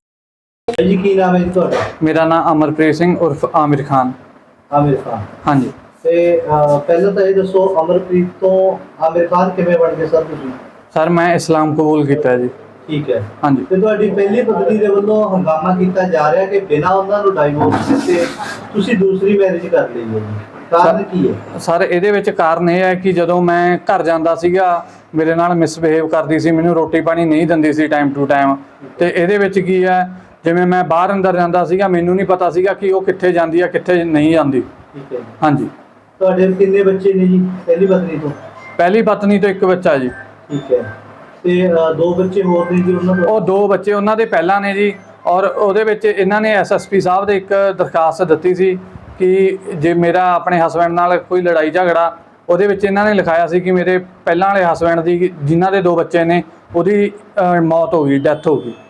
ਜੀ ਕੀ ਨਾਮ ਹੈ ਜੀ ਤੁਹਾਡਾ? ਮੇਰਾ ਨਾਮ ਅਮਰਪ੍ਰੀਤ ਸਿੰਘ ਉਰਫ ਆਮਿਰ ਖਾਨ। ਆਮਿਰ ਖਾਨ। ਹਾਂਜੀ ਤੇ ਪਹਿਲਾਂ ਤਾਂ ਇਹ ਦੱਸੋ, ਅਮਰਪ੍ਰੀਤ ਤੋਂ ਆਮਿਰ ਖਾਨ ਕਿਵੇਂ ਬਣ ਗਏ ਸਰ ਤੁਸੀਂ? ਸਰ, ਮੈਂ ਇਸਲਾਮ ਕਬੂਲ ਕੀਤਾ ਜੀ। ਠੀਕ ਹੈ। ਹਾਂਜੀ। ਤੇ ਤੁਹਾਡੀ ਪਹਿਲੀ ਪਤਨੀ ਦੇ ਵੱਲੋਂ ਹੰਗਾਮਾ ਕੀਤਾ ਜਾ ਰਿਹਾ ਕਿ ਬਿਨਾਂ ਉਹਨਾਂ ਨੂੰ ਡਾਈਵੋਰਸ ਦਿੱਤੇ ਤੁਸੀਂ ਦੂਸਰੀ ਮੈਰਿਜ ਕਰ ਲਈ ਹੈ ਜੀ, ਕਾਰਨ ਕੀ ਹੈ? ਸਰ, ਇਹਦੇ ਵਿੱਚ ਕਾਰਨ ਇਹ ਹੈ ਕਿ ਜਦੋਂ ਮੈਂ ਘਰ ਜਾਂਦਾ ਸੀਗਾ, ਮੇਰੇ ਨਾਲ ਮਿਸਬਿਹੇਵ ਕਰਦੀ ਸੀ, ਮੈਨੂੰ ਰੋਟੀ ਪਾਣੀ ਨਹੀਂ ਦਿੰਦੀ ਸੀ ਟਾਈਮ ਟੂ ਟਾਈਮ। ਤੇ ਇਹਦੇ ਵਿੱਚ ਕੀ ਹੈ, ਜਿਵੇਂ ਮੈਂ ਬਾਹਰ ਅੰਦਰ ਜਾਂਦਾ ਸੀਗਾ, ਮੈਨੂੰ ਨਹੀਂ ਪਤਾ ਸੀਗਾ ਕਿ ਉਹ ਕਿੱਥੇ ਜਾਂਦੀ ਹੈ ਕਿੱਥੇ ਨਹੀਂ ਜਾਂਦੀ। ਠੀਕ ਹੈ। ਹਾਂਜੀ। ਤੁਹਾਡੇ ਕਿੰਨੇ ਬੱਚੇ ਨੇ ਜੀ ਪਹਿਲੀ ਪਤਨੀ ਤੋਂ? ਪਹਿਲੀ ਪਤਨੀ ਤੋਂ 1 ਬੱਚਾ ਜੀ। ਠੀਕ ਹੈ। ਤੇ 2 ਬੱਚੇ ਹੋਰ ਨੇ ਜੀ ਉਹਨਾਂ ਤੋਂ? ਉਹ 2 ਬੱਚੇ ਉਹਨਾਂ ਦੇ ਪਹਿਲਾਂ ਨੇ ਜੀ। ਔਰ ਉਹਦੇ ਵਿੱਚ ਇਹਨਾਂ ਨੇ ਐਸਐਸਪੀ ਸਾਹਿਬ ਦੇ ਇੱਕ ਦਰਖਾਸਤ ਦਿੱਤੀ ਸੀ ਕਿ ਜੇ ਮੇਰਾ ਆਪਣੇ ਹਸਬੈਂਡ ਨਾਲ ਕੋਈ ਲੜਾਈ ਝਗੜਾ, ਉਹਦੇ ਵਿੱਚ ਇਹਨਾਂ ਨੇ ਲਿਖਾਇਆ ਸੀ ਕਿ ਮੇਰੇ ਪਹਿਲਾਂ ਵਾਲੇ ਹਸਬੈਂਡ ਦੀ, ਜਿਨ੍ਹਾਂ ਦੇ 2 ਬੱਚੇ ਨੇ, ਉਹਦੀ ਮੌਤ ਹੋ ਗਈ, ਡੈਥ ਹੋ ਗਈ।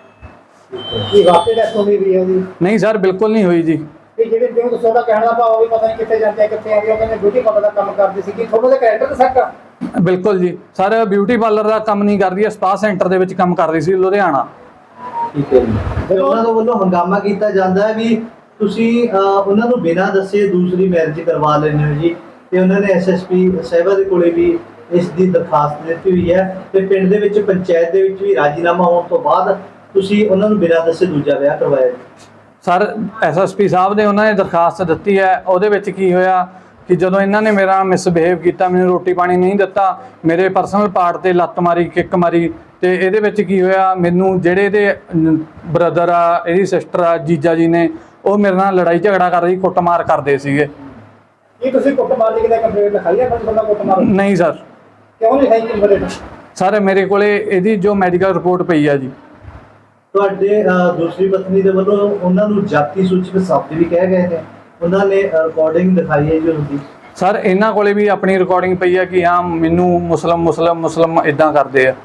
ਕੀ ਵਾਕਈ ਡੈਥ ਹੋ ਗਈ ਹੈ ਜੀ? ਨਹੀਂ ਸਰ, ਬਿਲਕੁਲ ਨਹੀਂ ਹੋਈ ਜੀ। ਜਿਵੇਂ ਦੱਸੋ ਦਾ ਕਹਿਣ ਦਾ ਭਾਵ ਵੀ ਪਤਾ ਨਹੀਂ ਕਿੱਥੇ ਜਾਂਦੇ ਕਿੱਥੇ ਆਉਂਦੇ, ਉਹ ਕਹਿੰਦੇ ਬਿਊਟੀ ਪਾਰਲਰ ਦਾ ਕੰਮ ਕਰਦੇ ਸੀ, ਕਿ ਤੁਹਾਨੂੰ ਦੇ ਕੈਰੈਕਟਰ ਤੇ ਸ਼ੱਕ ਆ? ਬਿਲਕੁਲ ਜੀ ਸਰ, ਬਿਊਟੀ ਪਾਰਲਰ ਦਾ ਕੰਮ ਨਹੀਂ ਕਰਦੀ ਹੈ, ਸਪਾ ਸੈਂਟਰ ਦੇ ਵਿੱਚ ਕੰਮ ਕਰਦੀ ਸੀ ਲੁਧਿਆਣਾ। ਠੀਕ ਹੈ ਜੀ। ਤੇ ਉਹਨਾਂ ਦੇ ਵੱਲੋਂ ਹੰਗਾਮਾ ਕੀਤਾ ਜਾਂਦਾ ਹੈ ਵੀ ਤੁਸੀਂ ਉਹਨਾਂ ਨੂੰ ਬਿਨਾਂ ਦੱਸੇ ਦੂਸਰੀ ਮੈਰਿਜ ਕਰਵਾ ਲੈਂਦੇ ਹੋ ਜੀ। ਤੇ ਉਹਨਾਂ ਨੇ ਐਸਐਸਪੀ ਸਾਹਿਬਾ ਦੇ ਕੋਲੇ ਵੀ ਇਸ ਦੀ ਦਰਖਾਸਤ ਦਿੱਤੀ ਹੋਈ ਹੈ ਤੇ ਪਿੰਡ ਦੇ ਵਿੱਚ ਪੰਚਾਇਤ ਦੇ ਵਿੱਚ ਵੀ ਰਾਜੀਨਾਮਾ ਹੋਣ ਤੋਂ ਬਾਅਦ ਤੁਸੀਂ ਉਹਨਾਂ ਨੂੰ ਬਿਨਾਂ ਦੱਸੇ ਦੂਜਾ ਵਿਆਹ ਕਰਵਾਇਆ। ਸਰ, ਐਸਐਸਪੀ ਸਾਹਿਬ ਨੇ ਉਹਨਾਂ ਨੇ ਦਰਖਾਸਤ ਦਿੱਤੀ ਹੈ। ਉਹਦੇ ਵਿੱਚ ਕੀ ਹੋਇਆ ਕਿ ਜਦੋਂ ਇਹਨਾਂ ਨੇ ਮੇਰਾ ਮਿਸਬਿਹੇਵ ਕੀਤਾ, ਮੈਨੂੰ ਰੋਟੀ ਪਾਣੀ ਨਹੀਂ ਦਿੱਤਾ, ਮੇਰੇ ਪਰਸਨਲ ਪਾਰਟ ਤੇ ਲੱਤ ਮਾਰੀ, ਕਿੱਕ ਮਾਰੀ। ਤੇ ਇਹਦੇ ਵਿੱਚ ਕੀ ਹੋਇਆ, ਮੈਨੂੰ ਜਿਹੜੇ ਇਹਦੇ ਬ੍ਰਦਰ ਆ, ਇਹਦੀ ਸਿਸਟਰ ਆ, ਜੀਜਾ ਜੀ ਨੇ, ਉਹ ਮੇਰੇ ਨਾਲ ਲੜਾਈ ਝਗੜਾ ਕਰ ਰਹੀ, ਕੁੱਟਮਾਰ ਕਰਦੇ ਸੀਗੇ। ਕੀ ਤੁਸੀਂ ਕੁੱਟਮਾਰ ਦੀ ਕਿਤੇ ਕੰਪਲੇਂਟ ਲਿਖਾਈ ਹੈ ਬੰਦਾ ਕੁੱਟਮਾਰ? ਨਹੀਂ ਸਰ। ਕਿਉਂ ਲਿਖਾਈ ਕੰਪਲੇਂਟ? ਸਰ ਮੇਰੇ ਕੋਲੇ ਇਹਦੀ ਜੋ ਮੈਡੀਕਲ ਰਿਪੋਰਟ ਪਈ ਆ ਜੀ। ਤੁਹਾਡੇ ਦੂਸਰੀ ਪਤਨੀ ਦੇ ਵੱਲੋਂ ਉਹਨਾਂ ਨੂੰ ਜਾਤੀ ਸੂਚਕ ਸ਼ਬਦ ਵੀ ਕਹਿ ਗਏ ਨੇ, ਉਹਨਾਂ ਨੇ ਰਿਕਾਰਡਿੰਗ ਦਿਖਾਈ ਹੈ ਜੀ ਉਹਦੀ। ਸਰ ਇਹਨਾਂ ਕੋਲੇ ਵੀ ਆਪਣੀ ਰਿਕਾਰਡਿੰਗ ਪਈ ਆ ਕਿ ਹਾਂ ਮੈਨੂੰ ਮੁਸਲਮ ਇਦਾਂ ਕਰਦੇ ਆ।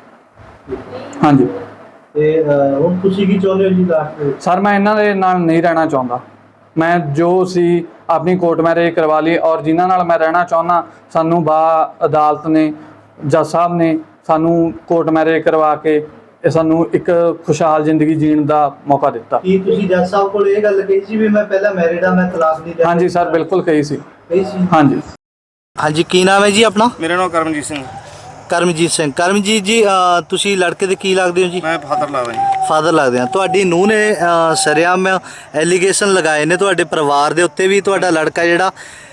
ਹਾਂਜੀ। ਤੇ ਹੁਣ ਤੁਸੀਂ ਕੀ ਚਾਹੁੰਦੇ ਹੋ ਜੀ ਲਾਸਟ ਵਿੱਚ? ਸਰ ਮੈਂ ਇਹਨਾਂ ਦੇ ਨਾਲ ਨਹੀਂ ਰਹਿਣਾ ਚਾਹੁੰਦਾ। ਮੈਂ ਜੋ ਸੀ ਆਪਣੀ ਕੋਰਟ ਮੈਰਿਜ ਕਰਵਾ ਲਈ, ਔਰ ਜਿਨ੍ਹਾਂ ਨਾਲ ਮੈਂ ਰਹਿਣਾ ਚਾਹੁੰਦਾ ਸਾਨੂੰ ਅਦਾਲਤ ਨੇ, ਜੱਜ ਸਾਹਿਬ ਨੇ ਸਾਨੂੰ ਕੋਰਟ ਮੈਰਿਜ ਕਰਵਾ ਕੇ ਸਾਨੂੰ ਇੱਕ ਖੁਸ਼ਹਾਲ ਜ਼ਿੰਦਗੀ ਜੀਣ ਦਾ ਮੌਕਾ ਦਿੱਤਾ। ਕੀ ਤੁਸੀਂ ਜੱਜ ਸਾਹਿਬ ਕੋਲ ਇਹ ਗੱਲ ਕਹੀ ਸੀ ਵੀ ਮੈਂ ਪਹਿਲਾਂ ਮੈਰਿਡ ਆ, ਮੈਂ ਤਲਾਕ ਨਹੀਂ ਲੈਣਾ? ਹਾਂਜੀ ਸਰ, ਬਿਲਕੁਲ ਕਹੀ ਸੀ। ਹਾਂਜੀ। ਹਾਂਜੀ, ਕੀ ਨਾਮ ਹੈ ਜੀ ਆਪਣਾ? ਮੇਰਾ ਨਾਮ ਕਰਮਜੀਤ ਸਿੰਘ। ਕਰਮਜੀਤ ਸਿੰਘ। ਕਰਮਜੀਤ ਜੀ, ਤੁਸੀਂ ਲੜਕੇ ਦੇ ਕੀ ਲੱਗਦੇ ਹੋ ਜੀ? ਮੈਂ ਫਾਦਰ ਲੱਗਦਾ ਜੀ। ਫਾਦਰ ਲੱਗਦੇ ਆ। ਤੁਹਾਡੀ ਨੂੰਹ ਨੇ ਸ਼ਰੇਆਮ ਐਲੀਗੇਸ਼ਨ ਲਗਾਏ ਨੇ ਤੁਹਾਡੇ ਪਰਿਵਾਰ ਦੇ ਉੱਤੇ ਵੀ ਤੁਹਾਡਾ ਲੜਕਾ ਜਿਹੜਾ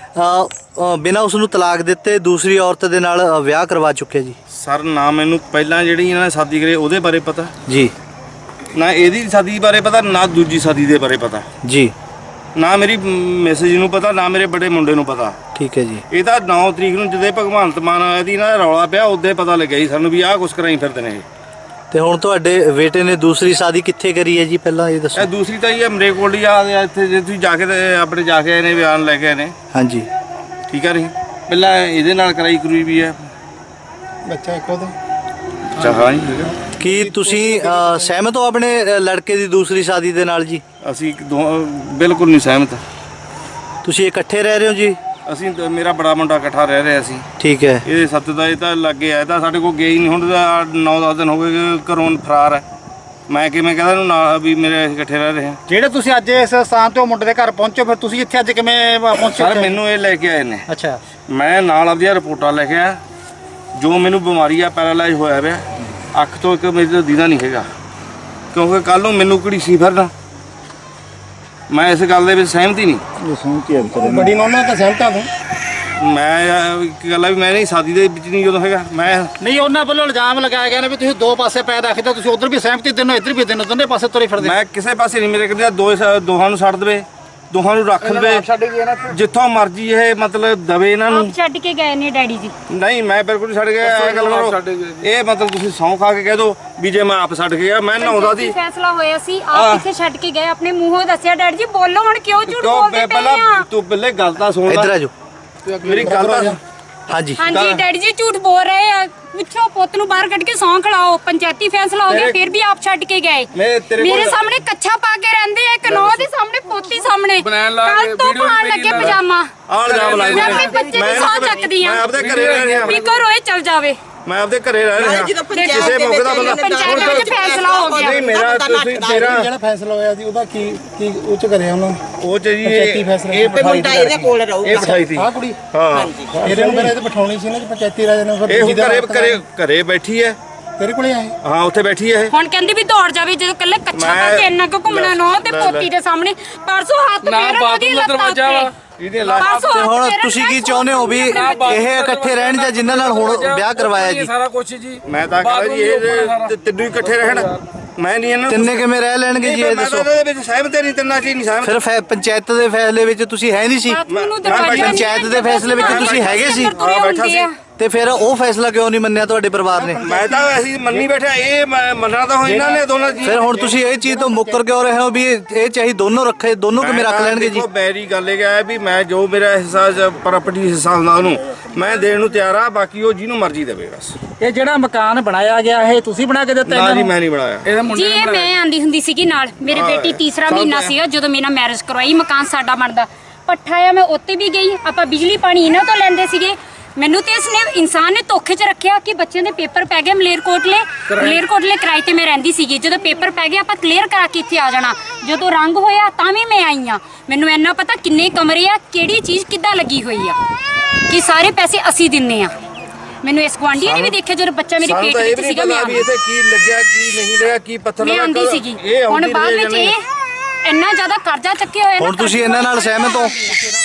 ਬਿਨਾਂ ਉਸ ਨੂੰ ਤਲਾਕ ਦਿੱਤੇ ਦੂਸਰੀ ਔਰਤ ਦੇ ਨਾਲ ਵਿਆਹ ਕਰਵਾ ਚੁੱਕਿਆ ਜੀ। ਸਰ ਨਾ ਮੈਨੂੰ ਪਹਿਲਾਂ ਜਿਹੜੀ ਇਹਨਾਂ ਨੇ ਸ਼ਾਦੀ ਕਰੀ ਉਹਦੇ ਬਾਰੇ ਪਤਾ ਜੀ, ਨਾ ਇਹਦੀ ਸ਼ਾਦੀ ਬਾਰੇ ਪਤਾ, ਨਾ ਦੂਜੀ ਸ਼ਾਦੀ ਦੇ ਬਾਰੇ ਪਤਾ ਜੀ, ਨਾ ਮੇਰੀ ਮੈਸੇਜ ਨੂੰ ਪਤਾ, ਨਾ ਮੇਰੇ ਬੜੇ ਮੁੰਡੇ ਨੂੰ ਪਤਾ। ਠੀਕ ਹੈ ਜੀ। ਇਹ ਤਾਂ 9 ਤਰੀਕ ਨੂੰ ਜਦੋਂ ਭਗਵੰਤ ਮਾਨ ਇਹਦੀ ਨਾ ਰੌਲਾ ਪਿਆ ਉਦੋਂ ਪਤਾ ਲੱਗਿਆ ਜੀ ਸਾਨੂੰ ਵੀ ਆਹ ਕੁਛ ਕਰਾਈ ਫਿਰਦੇ ਨੇ ਇਹ। ਤੇ ਹੁਣ ਤੁਹਾਡੇ ਬੇਟੇ ਨੇ ਦੂਸਰੀ ਸ਼ਾਦੀ ਕਿੱਥੇ ਕਰੀ ਹੈ ਜੀ, ਪਹਿਲਾਂ ਇਹ ਦੱਸੋ। ਇਹ ਦੂਸਰੀ ਤਾਂ ਇਹ ਅਮਰੇ ਕੋਲ ਹੀ ਆ ਇੱਥੇ, ਜੇ ਤੁਸੀਂ ਜਾ ਕੇ ਤੇ ਆਪਣੇ ਜਾ ਕੇ ਆਏ ਨੇ, ਬਿਆਨ ਲੈ ਕੇ ਆਏ ਨੇ। ਹਾਂਜੀ। ਠੀਕ ਹੈ ਨਹੀਂ, ਪਹਿਲਾਂ ਇਹਦੇ ਨਾਲ ਕਰਾਈ ਕਰੂਈ ਵੀ ਹੈ ਬੱਚਾ ਇੱਕ ਉਹਦਾ। ਚਾਹਾਂ ਜੀ। ਕੀ ਤੁਸੀਂ ਸਹਿਮਤ ਹੋ ਆਪਣੇ ਲੜਕੇ ਦੀ ਦੂਸਰੀ ਸ਼ਾਦੀ ਦੇ ਨਾਲ ਜੀ? ਅਸੀਂ ਬਿਲਕੁਲ ਨਹੀਂ ਸਹਿਮਤ। ਤੁਸੀਂ ਇਕੱਠੇ ਰਹਿ ਰਹੇ ਹੋ ਜੀ? ਅਸੀਂ ਮੇਰਾ ਬੜਾ ਮੁੰਡਾ ਇਕੱਠਾ ਰਹਿ ਰਿਹਾ ਸੀ। ਠੀਕ ਹੈ। ਇਹਦੇ ਸੱਤ ਦਾ ਇਹ ਤਾਂ ਲੱਗੇ ਆਇਆ ਤਾਂ ਸਾਡੇ ਕੋਲ ਗਿਆ ਹੀ ਨਹੀਂ। ਹੁਣ 9-10 ਦਿਨ ਹੋ ਗਏ ਘਰੋਂ ਫਰਾਰ ਹੈ। ਮੈਂ ਕਿਵੇਂ ਕਹਿੰਦਾ ਇਹਨੂੰ ਨਾ ਵੀ ਮੇਰੇ ਅਸੀਂ ਇਕੱਠੇ ਰਹਿ ਰਹੇ ਹਾਂ। ਜਿਹੜੇ ਤੁਸੀਂ ਅੱਜ ਇਸ ਸਥਾਨ ਤੇ ਮੁੰਡੇ ਦੇ ਘਰ ਪਹੁੰਚੋ, ਫਿਰ ਤੁਸੀਂ ਇੱਥੇ ਅੱਜ ਕਿਵੇਂ ਪਹੁੰਚੇ? ਸਰ ਮੈਨੂੰ ਇਹ ਲੈ ਕੇ ਆਏ ਨੇ। ਅੱਛਾ। ਮੈਂ ਨਾਲ ਆਪਦੀਆਂ ਰਿਪੋਰਟਾਂ ਲੈ ਕੇ ਆਇਆ। ਜੋ ਮੈਨੂੰ ਬਿਮਾਰੀ ਆ, ਪੈਰਾਲਾਈਜ਼ ਹੋਇਆ ਪਿਆ, ਅੱਖ ਤੋਂ ਇੱਕ ਮੇਰੇ ਤੋਂ ਦੀਦਾ ਨਹੀਂ ਹੈਗਾ, ਕਿਉਂਕਿ ਕੱਲ ਨੂੰ ਮੈਨੂੰ ਘੜੀਸੀ ਫਿਰਨਾ। ਮੈਂ ਇਸ ਗੱਲ ਦੇ ਵਿੱਚ ਸਹਿਮਤ ਹੀ ਨਹੀਂ। ਬੜੀ ਨੌਨਾ ਤਾਂ ਸਹਿਮਤ ਆ ਤੂੰ? ਮੈਂ ਇੱਕ ਗੱਲ ਆ ਵੀ ਮੈਂ ਨਹੀਂ ਸ਼ਾਦੀ ਦੇ ਵਿੱਚ ਨਹੀਂ ਜਦੋਂ ਹੈਗਾ। ਮੈਂ ਨਹੀਂ, ਉਹਨਾਂ ਵੱਲੋਂ ਇਲਜ਼ਾਮ ਲਗਾਇਆ ਗਿਆ ਨੇ ਵੀ ਤੁਸੀਂ ਦੋ ਪਾਸੇ ਪੈਰ ਰੱਖਦੇ, ਤੁਸੀਂ ਉਧਰ ਵੀ ਸਹਿਮਤੀ ਦਿਨੋ ਇੱਧਰ ਵੀ ਦਿਨੋ, ਦੋਨੇ ਪਾਸੇ ਤੁਰੇ ਫਿਰਦੇ। ਮੈਂ ਕਿਸੇ ਪਾਸੇ ਨਹੀਂ, ਮੇਰੇ ਕਹਿੰਦੇ ਦੋਹਾਂ ਨੂੰ ਛੱਡ ਦੇਵੇ, ਦੋਹਾਂ ਨੂੰ ਰੱਖ ਲਵੇ, ਜਿੱਥੋਂ ਮਰਜ਼ੀ ਇਹ ਮਤਲਬ ਦਵੇ ਇਹਨਾਂ ਨੂੰ। ਆਪ ਛੱਡ ਕੇ ਗਏ ਨੇ ਡੈਡੀ ਜੀ। ਨਹੀਂ, ਮੈਂ ਬਿਲਕੁਲ ਨਹੀਂ ਛੱਡ ਗਿਆ। ਇਹ ਗੱਲ ਕਰੋ, ਇਹ ਮਤਲਬ ਤੁਸੀਂ ਸਹੁੰ ਖਾ ਕੇ ਕਹਿ ਦੋ ਵੀ ਜੇ ਮੈਂ ਆਪ ਛੱਡ ਕੇ ਗਿਆ, ਮੈਂ ਨਹਾਉਂਦਾ ਸੀ। ਫੈਸਲਾ ਹੋਇਆ ਸੀ, ਆਪ ਕਿੱਥੇ ਛੱਡ ਕੇ ਗਏ? ਆਪਣੇ ਮੂੰਹੋਂ ਦੱਸਿਆ ਡੈਡੀ ਜੀ। ਬੋਲੋ ਹੁਣ, ਕਿਉਂ ਝੂਠ ਬੋਲਦੇ ਪਏ ਆ? ਤੂੰ ਪਹਿਲੇ ਗੱਲ ਤਾਂ ਸੁਣ ਲੈ। ਇੱਧਰ ਆ ਜਾਓ। ਮੇਰੀ ਗੱਲ ਤਾਂ ਹਾਂਜੀ। ਹਾਂਜੀ ਡੈਡੀ ਜੀ ਝੂਠ ਬੋਲ ਰਹੇ ਆ। ਪੁੱਛੋ, ਪੁੱਤ ਨੂੰ ਬਾਹਰ ਕੱਢ ਕੇ ਸੌਂ ਖੜਾਓ। ਪੰਚਾਇਤੀ ਫੈਸਲਾ ਹੋ ਗਿਆ, ਫਿਰ ਵੀ ਆਪ ਛੱਡ ਕੇ ਗਏ। ਮੇਰੇ ਸਾਹਮਣੇ ਕੱਛਾ ਪਾ ਕੇ ਰਹਿੰਦੇ ਆ, ਕਨੌ ਦੇ ਸਾਹਮਣੇ, ਪੋਤੀ ਸਾਹਮਣੇ। ਕੱਲ ਤੋਂ ਪਾਣ ਲੱਗੇ ਪਜਾਮਾ। ਮੈਂ ਆਪਣੇ ਬੱਚੇ ਦੀ ਸੌਂ ਚੱਕਦੀ ਆ। ਮੈਂ ਆਪਦੇ ਘਰੇ ਰਹਿ ਰਿਹਾ। ਵੀ ਘਰੋਂ ਇਹ ਚਲ ਜਾਵੇ। ਮੈਂ ਆਪਦੇ ਘਰੇ ਰਹਿ ਰਿਹਾ। ਕਿਸੇ ਮੌਕੇ ਦਾ ਬੰਦਾ ਪੰਚਾਇਤ ਵਿੱਚ ਫੈਸਲਾ ਹੋ ਗਿਆ। ਨਹੀਂ, ਮੇਰਾ ਤੁਸੀਂ ਜਿਹੜਾ ਫੈਸਲਾ ਹੋਇਆ ਸੀ ਉਹਦਾ ਕੀ ਉੱਚ ਕਰਿਆ ਉਹਨਾਂ ਨੇ? ਉਹ ਚ ਜੀ ਪੰਚਾਇਤੀ ਫੈਸਲਾ। ਇਹ ਮੁੰਡਾ ਇਹਦੇ ਕੋਲ ਰਹੂਗਾ। ਇਹ ਬਿਠਾਈ ਸੀ। ਆਹ ਕੁੜੀ? ਹਾਂ। ਇਹਦੇ ਨੂੰ ਮੇਰੇ ਤੇ ਬਿਠਾਉਣੀ ਸੀ ਨਾ ਪੰਚਾਇਤੀ ਰਾਜ ਨੇ। ਇਹ ਘਰੇ ਬੈਠੀ ਹੈ। ਤੇਰੇ ਕੋਲੇ ਆਏ? ਹਾਂ, ਉੱਥੇ ਬੈਠੀ ਹੈ ਇਹ। ਹੁਣ ਕਹਿੰਦੀ ਵੀ ਦੌੜ ਜਾਵੇ, ਜਦੋਂ ਕੱਲੇ ਕੱਛਾ ਪਾ ਕੇ ਇੰਨਾ ਕੁ ਘੁੰਮਣਾ ਨੋ ਤੇ ਪੋਤੀ ਦੇ ਸਾਹਮਣੇ। ਪਰਸੋਂ ਹੱਥ ਫੇਰ ਉਹਦੀ ਲੱਤਾਂ ਉੱਤੇ। ਇਹਦੇ ਤੇ ਹੁਣ ਤੁਸੀਂ ਕੀ ਚਾਹੁੰਦੇ ਹੋ ਵੀ ਇਹ ਇਕੱਠੇ ਰਹਿਣ ਜਾਂ ਜਿਨ੍ਹਾਂ ਨਾਲ ਹੁਣ ਵਿਆਹ ਕਰਵਾਇਆ ਜੀ? ਸਾਰਾ ਕੁਝ ਜੀ ਮੈਂ ਤਾਂ ਕਹਿੰਦਾ ਜੀ ਇਹ ਤਿੰਨੋਂ ਇਕੱਠੇ ਰਹਿਣ। ਮੈਂ ਨਹੀਂ ਇਹਨਾਂ ਤਿੰਨੇ ਕਿਵੇਂ ਰਹਿ ਲੈਣਗੇ ਜੀ, ਇਹ ਦੱਸੋ। ਇਹਦੇ ਵਿੱਚ ਸਹਿਮਤ ਨਹੀਂ, ਤਿੰਨਾਂ ਚ ਨਹੀਂ ਸਹਿਮਤ। ਫਿਰ ਪੰਚਾਇਤ ਦੇ ਫੈਸਲੇ ਵਿੱਚ ਤੁਸੀਂ ਹੈ ਨਹੀਂ ਸੀ? ਪੰਚਾਇਤ ਦੇ ਫੈਸਲੇ ਵਿੱਚ ਤੁਸੀਂ ਹੈਗੇ ਸੀ? ਬੈਠਾ ਸੀ। ਤੇ ਫਿਰ ਉਹ ਫੈਸਲਾ ਕਿਉਂ ਨਹੀਂ ਮੰਨਿਆ ਤੁਹਾਡੇ ਪਰਿਵਾਰ ਨੇ? ਮੈਂ ਤਾਂ ਅਸੀਂ ਮੰਨੀ ਬੈਠਾ, ਇਹ ਮੰਨਣਾ ਤਾਂ ਹੋ ਇਹਨਾਂ ਨੇ ਦੋਨਾਂ ਜੀ। ਫਿਰ ਹੁਣ ਤੁਸੀਂ ਇਹ ਚੀਜ਼ ਤੋਂ ਮੁੱਕਰ ਕਿਉਂ ਰਹੇ ਹੋ ਵੀ ਇਹ ਚਾਹੀ ਦੋਨੋਂ ਰੱਖੇ, ਦੋਨੋਂ ਕਿਵੇਂ ਰੱਖ ਲੈਣਗੇ ਜੀ? ਮੇਰੀ ਗੱਲ ਇਹ ਹੈ ਵੀ ਮੈਂ ਜੋ ਮੇਰਾ ਹਿੱਸਾ ਪ੍ਰਾਪਰਟੀ ਹਿੱਸਾ ਹੁੰਦਾ ਉਹਨੂੰ ਮੈਂ ਦੇਣ ਨੂੰ ਤਿਆਰ ਆ, ਬਾਕੀ ਉਹ ਜਿਹਨੂੰ ਮਰਜ਼ੀ ਦੇਵੇ ਬਸ। ਇਹ ਜਿਹੜਾ ਮਕਾਨ ਬਣਾਇਆ ਗਿਆ ਇਹ ਤੁਸੀਂ ਬਣਾ ਕੇ ਦਿੱਤਾ? ਨਾ ਜੀ, ਮੈਂ ਨਹੀਂ ਬਣਾਇਆ। ਜੀ ਇਹ ਮੈਂ ਆਂਦੀ ਹੁੰਦੀ ਸੀਗੀ ਨਾਲ। ਮੇਰੇ ਬੇਟੀ ਤੀਸਰਾ ਮਹੀਨਾ ਸੀਗਾ ਜਦੋਂ ਮੇਰਾ ਮੈਰਿਜ ਕਰਵਾਈ। ਮਕਾਨ ਸਾਡਾ ਬਣਦਾ ਪੱਠਾ ਆ, ਮੈਂ ਉੱਤੇ ਵੀ ਗਈ। ਆਪਾਂ ਬਿਜਲੀ ਪਾਣੀ ਇਹਨਾਂ ਤੋਂ ਲੈਂਦੇ ਸੀਗੇ। ਮੈਨੂੰ ਤੇ ਇਸਨੇ ਇਨਸਾਨ ਨੇ ਧੋਖੇ 'ਚ ਰੱਖਿਆ ਕਿ ਬੱਚਿਆਂ ਦੇ ਪੇਪਰ ਪੈ ਗਏ ਮਲੇਰਕੋਟਲੇ ਕਿਰਾਏ ਤੇ ਮੈਂ ਰਹਿੰਦੀ ਸੀਗੀ। ਜਦੋਂ ਪੇਪਰ ਪੈ ਗਏ ਆਪਾਂ ਕਲੀਅਰ ਕਰਾ ਕੇ ਇੱਥੇ ਆ ਜਾਣਾ। ਜਦੋਂ ਰੰਗ ਹੋਇਆ ਤਾਂ ਵੀ ਮੈਂ ਆਈ ਆ। ਮੈਨੂੰ ਇੰਨਾ ਪਤਾ ਕਿੰਨੇ ਕਮਰੇ ਆ, ਕਿਹੜੀ ਚੀਜ਼ ਕਿੱਦਾਂ ਲੱਗੀ ਹੋਈ ਆ, ਕਿ ਸਾਰੇ ਪੈਸੇ ਅਸੀਂ ਦਿੰਨੇ ਆ। ਮੈਨੂੰ ਇਸ ਗੁਆਂਢੀ ਨੇ ਵੀ ਦੇਖਿਆ ਜਦੋਂ ਬੱਚਾ ਮੇਰੇ ਪੇਟ ਵਿੱਚ ਸੀਗਾ। ਮੈਂ ਵੀ ਇੱਥੇ ਕੀ ਲੱਗਿਆ ਕੀ ਨਹੀਂ ਲੱਗਿਆ, ਕੀ ਪੱਥਰ ਮੈਂ ਆਂਦੀ ਸੀਗੀ। ਹੁਣ ਬਾਅਦ ਵਿੱਚ ਇਹ ਇੰਨਾ ਜ਼ਿਆਦਾ ਕਰਜ਼ਾ ਚੱਕਿਆ ਹੋਇਆ। ਹੁਣ ਤੁਸੀਂ ਇਹਨਾਂ ਨਾਲ ਸਹਿਮਤ ਹੋ?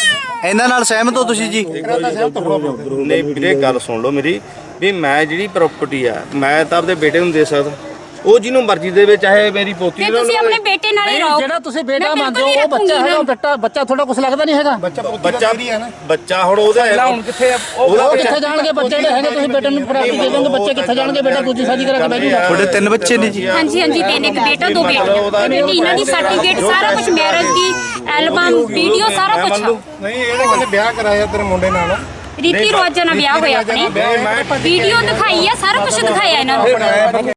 ਇਹਨਾਂ ਨਾਲ ਸਹਿਮਤ ਹੋ ਤੁਸੀਂ ਜੀ? ਨਹੀਂ ਵੀਰੇ, ਗੱਲ ਸੁਣ ਲਓ ਮੇਰੀ ਵੀ ਮੈਂ ਜਿਹੜੀ ਪ੍ਰਾਪਰਟੀ ਆ ਮੈਂ ਤਾਂ ਆਪਦੇ ਬੇਟੇ ਨੂੰ ਦੇ ਸਕਦਾ। ਉਹ ਜਿਹਨੂੰ ਮਰਜ਼ੀ ਦੇਵੇ, ਚਾਹੇ ਮੇਰੀ ਪੋਤੀ ਤੇ ਦੇ ਤੁਸੀਂ ਆਪਣੇ ਬੇਟੇ ਨਾਲ ਹੀ ਰਹੋ। ਜਿਹੜਾ ਤੁਸੀਂ ਬੇਟਾ ਮੈਂ ਮੰਨਦੇ ਹੋ ਬਿਲਕੁਲ ਉਹ ਬੱਚਾ ਨਹੀਂ ਹੈਗਾ, ਬੱਚਾ ਤੁਹਾਡਾ ਕੁਝ ਲੱਗਦਾ ਨਹੀਂ ਹੈਗਾ। ਬੱਚਾ ਹੁਣ ਉਹਦਾ ਪਹਿਲਾਂ ਹੁਣ ਕਿੱਥੇ ਆ ਉਹ ਕਿੱਥੇ ਜਾਣਗੇ ਬੱਚੇ ਜਿਹੜੇ ਹੈਗੇ, ਤੁਸੀਂ ਬੇਟੇ ਨੂੰ ਪ੍ਰਾਪਤੀ ਦੇ ਦੋਗੇ, ਬੱਚੇ ਕਿੱਥੇ ਜਾਣਗੇ? ਬੇਟਾ ਦੂਜੀ ਸ਼ਾਦੀ ਕਰਾ ਕੇ ਬਹਿ ਜੂਗਾ। ਤੁਹਾਡੇ 3 ਬੱਚੇ ਨੇ ਜੀ? ਹਾਂਜੀ ਹਾਂਜੀ, 3 ਇੱਕ ਬੇਟਾ 2 ਬੇਟੀਆਂ। ਬੇਟੀ ਇਹਨਾਂ ਦੀ ਸਰਟੀਫਿਕੇਟ ਸਾਰਾ ਕੁਝ, ਮੈਰਿਜ ਦੀ ਐਲਬਮ, ਵੀਡੀਓ ਸਾਰਾ ਕੁਝ। ਨਹੀਂ ਇਹਨੇ ਕਹਿੰਦੇ ਵਿਆਹ ਕਰਾਇਆ ਤੇਰੇ ਮੁੰਡੇ ਨਾਲ, ਰੀਤੀ ਰਿਵਾਜਾਂ ਨਾਲ ਵਿਆਹ ਹੋਇਆ ਆਪਣੀ, ਵੀਡੀਓ ਦਿਖਾਈ ਆ, ਸਾਰਾ ਕੁਝ ਦਿਖਾਇਆ ਇਹਨਾਂ ਨੂੰ।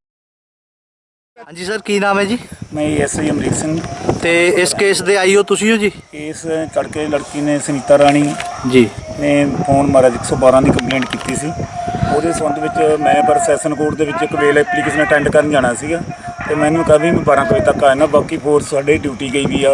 ਹਾਂਜੀ ਸਰ, ਕੀ ਨਾਮ ਹੈ ਜੀ? ਮੈਂ ਐਸਆਈ ਅਮਰੀਕ ਸਿੰਘ। ਤੇ ਇਸ ਕੇਸ ਦੇ ਆਈਓ ਤੁਸੀਂ ਹੋ ਜੀ? ਇਸ ਤੜਕੇ ਲੜਕੀ ਨੇ ਸੁਨੀਤਾ ਰਾਣੀ ਜੀ ਨੇ ਫੋਨ ਮਾਰਿਆ, 112 ਦੀ ਕੰਪਲੇਂਟ ਕੀਤੀ ਸੀ। ਉਹਦੇ ਸੰਬੰਧ ਵਿੱਚ ਮੈਂ ਪਰ ਸੈਸ਼ਨ ਕੋਰਟ ਦੇ ਵਿੱਚ ਇੱਕ ਵੇਲ ਐਪਲੀਕੇਸ਼ਨ ਅਟੈਂਡ ਕਰਨ ਜਾਣਾ ਸੀਗਾ, ਤੇ ਮੈਨੂੰ ਕਿਹਾ ਵੀ ਮੈਂ 12 ਵਜੇ ਤੱਕ ਆਇਆ ਨਾ। ਬਾਕੀ ਫੋਰਸ ਸਾਡੇ ਡਿਊਟੀ ਗਈ ਵੀ ਆ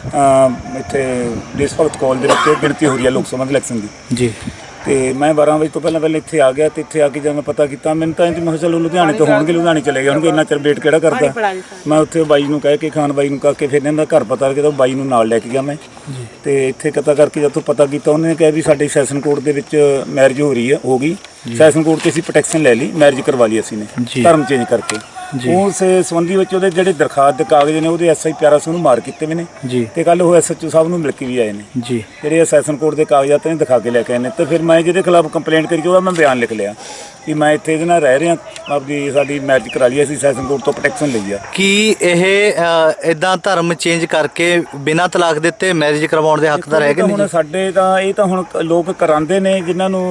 ਇੱਥੇ ਦੇਸ਼ ਭਗਤ ਕਾਲਜ ਦੇ ਵਿੱਚ ਗਿਣਤੀ ਹੋ ਰਹੀ ਆ ਲੋਕ ਸਭਾ ਦੇ ਇਲੈਕਸ਼ਨ ਦੀ ਜੀ। ਤੇ ਮੈਂ 12 ਵਜੇ ਤੋਂ ਪਹਿਲਾਂ ਇੱਥੇ ਆ ਗਿਆ, ਤੇ ਇੱਥੇ ਆ ਕੇ ਜਦ ਮੈਂ ਪਤਾ ਕੀਤਾ, ਮੈਨੂੰ ਤਾਂ ਇੰਜ ਮੈਂ ਕਿਹਾ ਚਲੋ ਲੁਧਿਆਣੇ ਤੋਂ ਹੋਣਗੇ, ਲੁਧਿਆਣੇ ਚਲੇ ਗਏ ਹੋਣਗੇ, ਇੰਨਾ ਚਿਰ ਵੇਟ ਕਿਹੜਾ ਕਰਦਾ। ਮੈਂ ਉੱਥੇ ਬਾਈ ਨੂੰ ਕਹਿ ਕੇ, ਖਾਨ ਬਾਈ ਨੂੰ ਕਹਿ ਕੇ, ਫਿਰ ਇਹਨਾਂ ਦਾ ਘਰ ਪਤਾ ਲੱਗਿਆ ਤਾਂ ਬਾਈ ਨੂੰ ਨਾਲ ਲੈ ਕੇ ਗਿਆ ਮੈਂ। ਤੇ ਇੱਥੇ ਪਤਾ ਕਰਕੇ ਜਦੋਂ ਪਤਾ ਕੀਤਾ, ਉਹਨੇ ਕਿਹਾ ਵੀ ਸਾਡੇ ਸੈਸ਼ਨ ਕੋਰਟ ਦੇ ਵਿੱਚ ਮੈਰਿਜ ਹੋ ਗਈ। ਸੈਸ਼ਨ ਕੋਰਟ 'ਤੇ ਅਸੀਂ ਪ੍ਰੋਟੈਕਸ਼ਨ ਲੈ ਲਈ, ਮੈਰਿਜ ਕਰਵਾ ਲਈ ਅਸੀਂ ਨੇ ਧਰਮ ਚੇਂਜ ਕਰਕੇ। ਉਸ ਸੰਬੰਧੀ ਵਿੱਚ ਉਹਦੇ ਜਿਹੜੇ ਦਰਖਾਸਤ ਦੇ ਕਾਗਜ਼ ਨੇ, ਉਹਦੇ ਐਸਆਈ ਪਿਆਰਾ ਸਿੰਘ ਨੂੰ ਮਾਰ ਕੀਤੇ ਵੀ ਨੇ, ਤੇ ਕੱਲ ਉਹ ਐਸਐਚਓ ਸਾਹਿਬ ਨੂੰ ਮਿਲ ਕੇ ਵੀ ਆਏ ਨੇ ਜੀ। ਜਿਹੜੇ ਸੈਸ਼ਨ ਕੋਰਟ ਦੇ ਕਾਗਜ਼ਾਤ ਨੇ ਦਿਖਾ ਕੇ ਲੈ ਕੇ ਆਏ ਨੇ। ਤੇ ਫਿਰ ਮੈਂ ਜਿਹਦੇ ਖਿਲਾਫ ਕੰਪਲੇਂਟ ਕਰੀ, ਉਹਦਾ ਮੈਂ ਬਿਆਨ ਲਿਖ ਲਿਆ ਕਿ ਮੈਂ ਇੱਥੇ ਇਹਦੇ ਨਾਲ ਰਹਿ ਰਿਹਾ, ਆਪਦੀ ਸਾਡੀ ਮੈਰਿਜ ਕਰਾ ਲਈ, ਅਸੀਂ ਸੈਸ਼ਨ ਕੋਰਟ ਤੋਂ ਪ੍ਰੋਟੈਕਸ਼ਨ ਲਈ ਆ। ਕੀ ਇਹ ਇਦਾਂ ਧਰਮ ਚੇਂਜ ਕਰਕੇ ਬਿਨਾਂ ਤਲਾਕ ਦਿੱਤੇ ਮੈਰਿਜ ਕਰਵਾਉਣ ਦੇ ਹੱਕਦਾਰ ਹੈਗੇ ਨੇ? ਹੁਣ ਸਾਡੇ ਤਾਂ ਇਹ ਤਾਂ ਹੁਣ ਲੋਕ ਕਰਾਉਂਦੇ ਨੇ, ਜਿਨ੍ਹਾਂ ਨੂੰ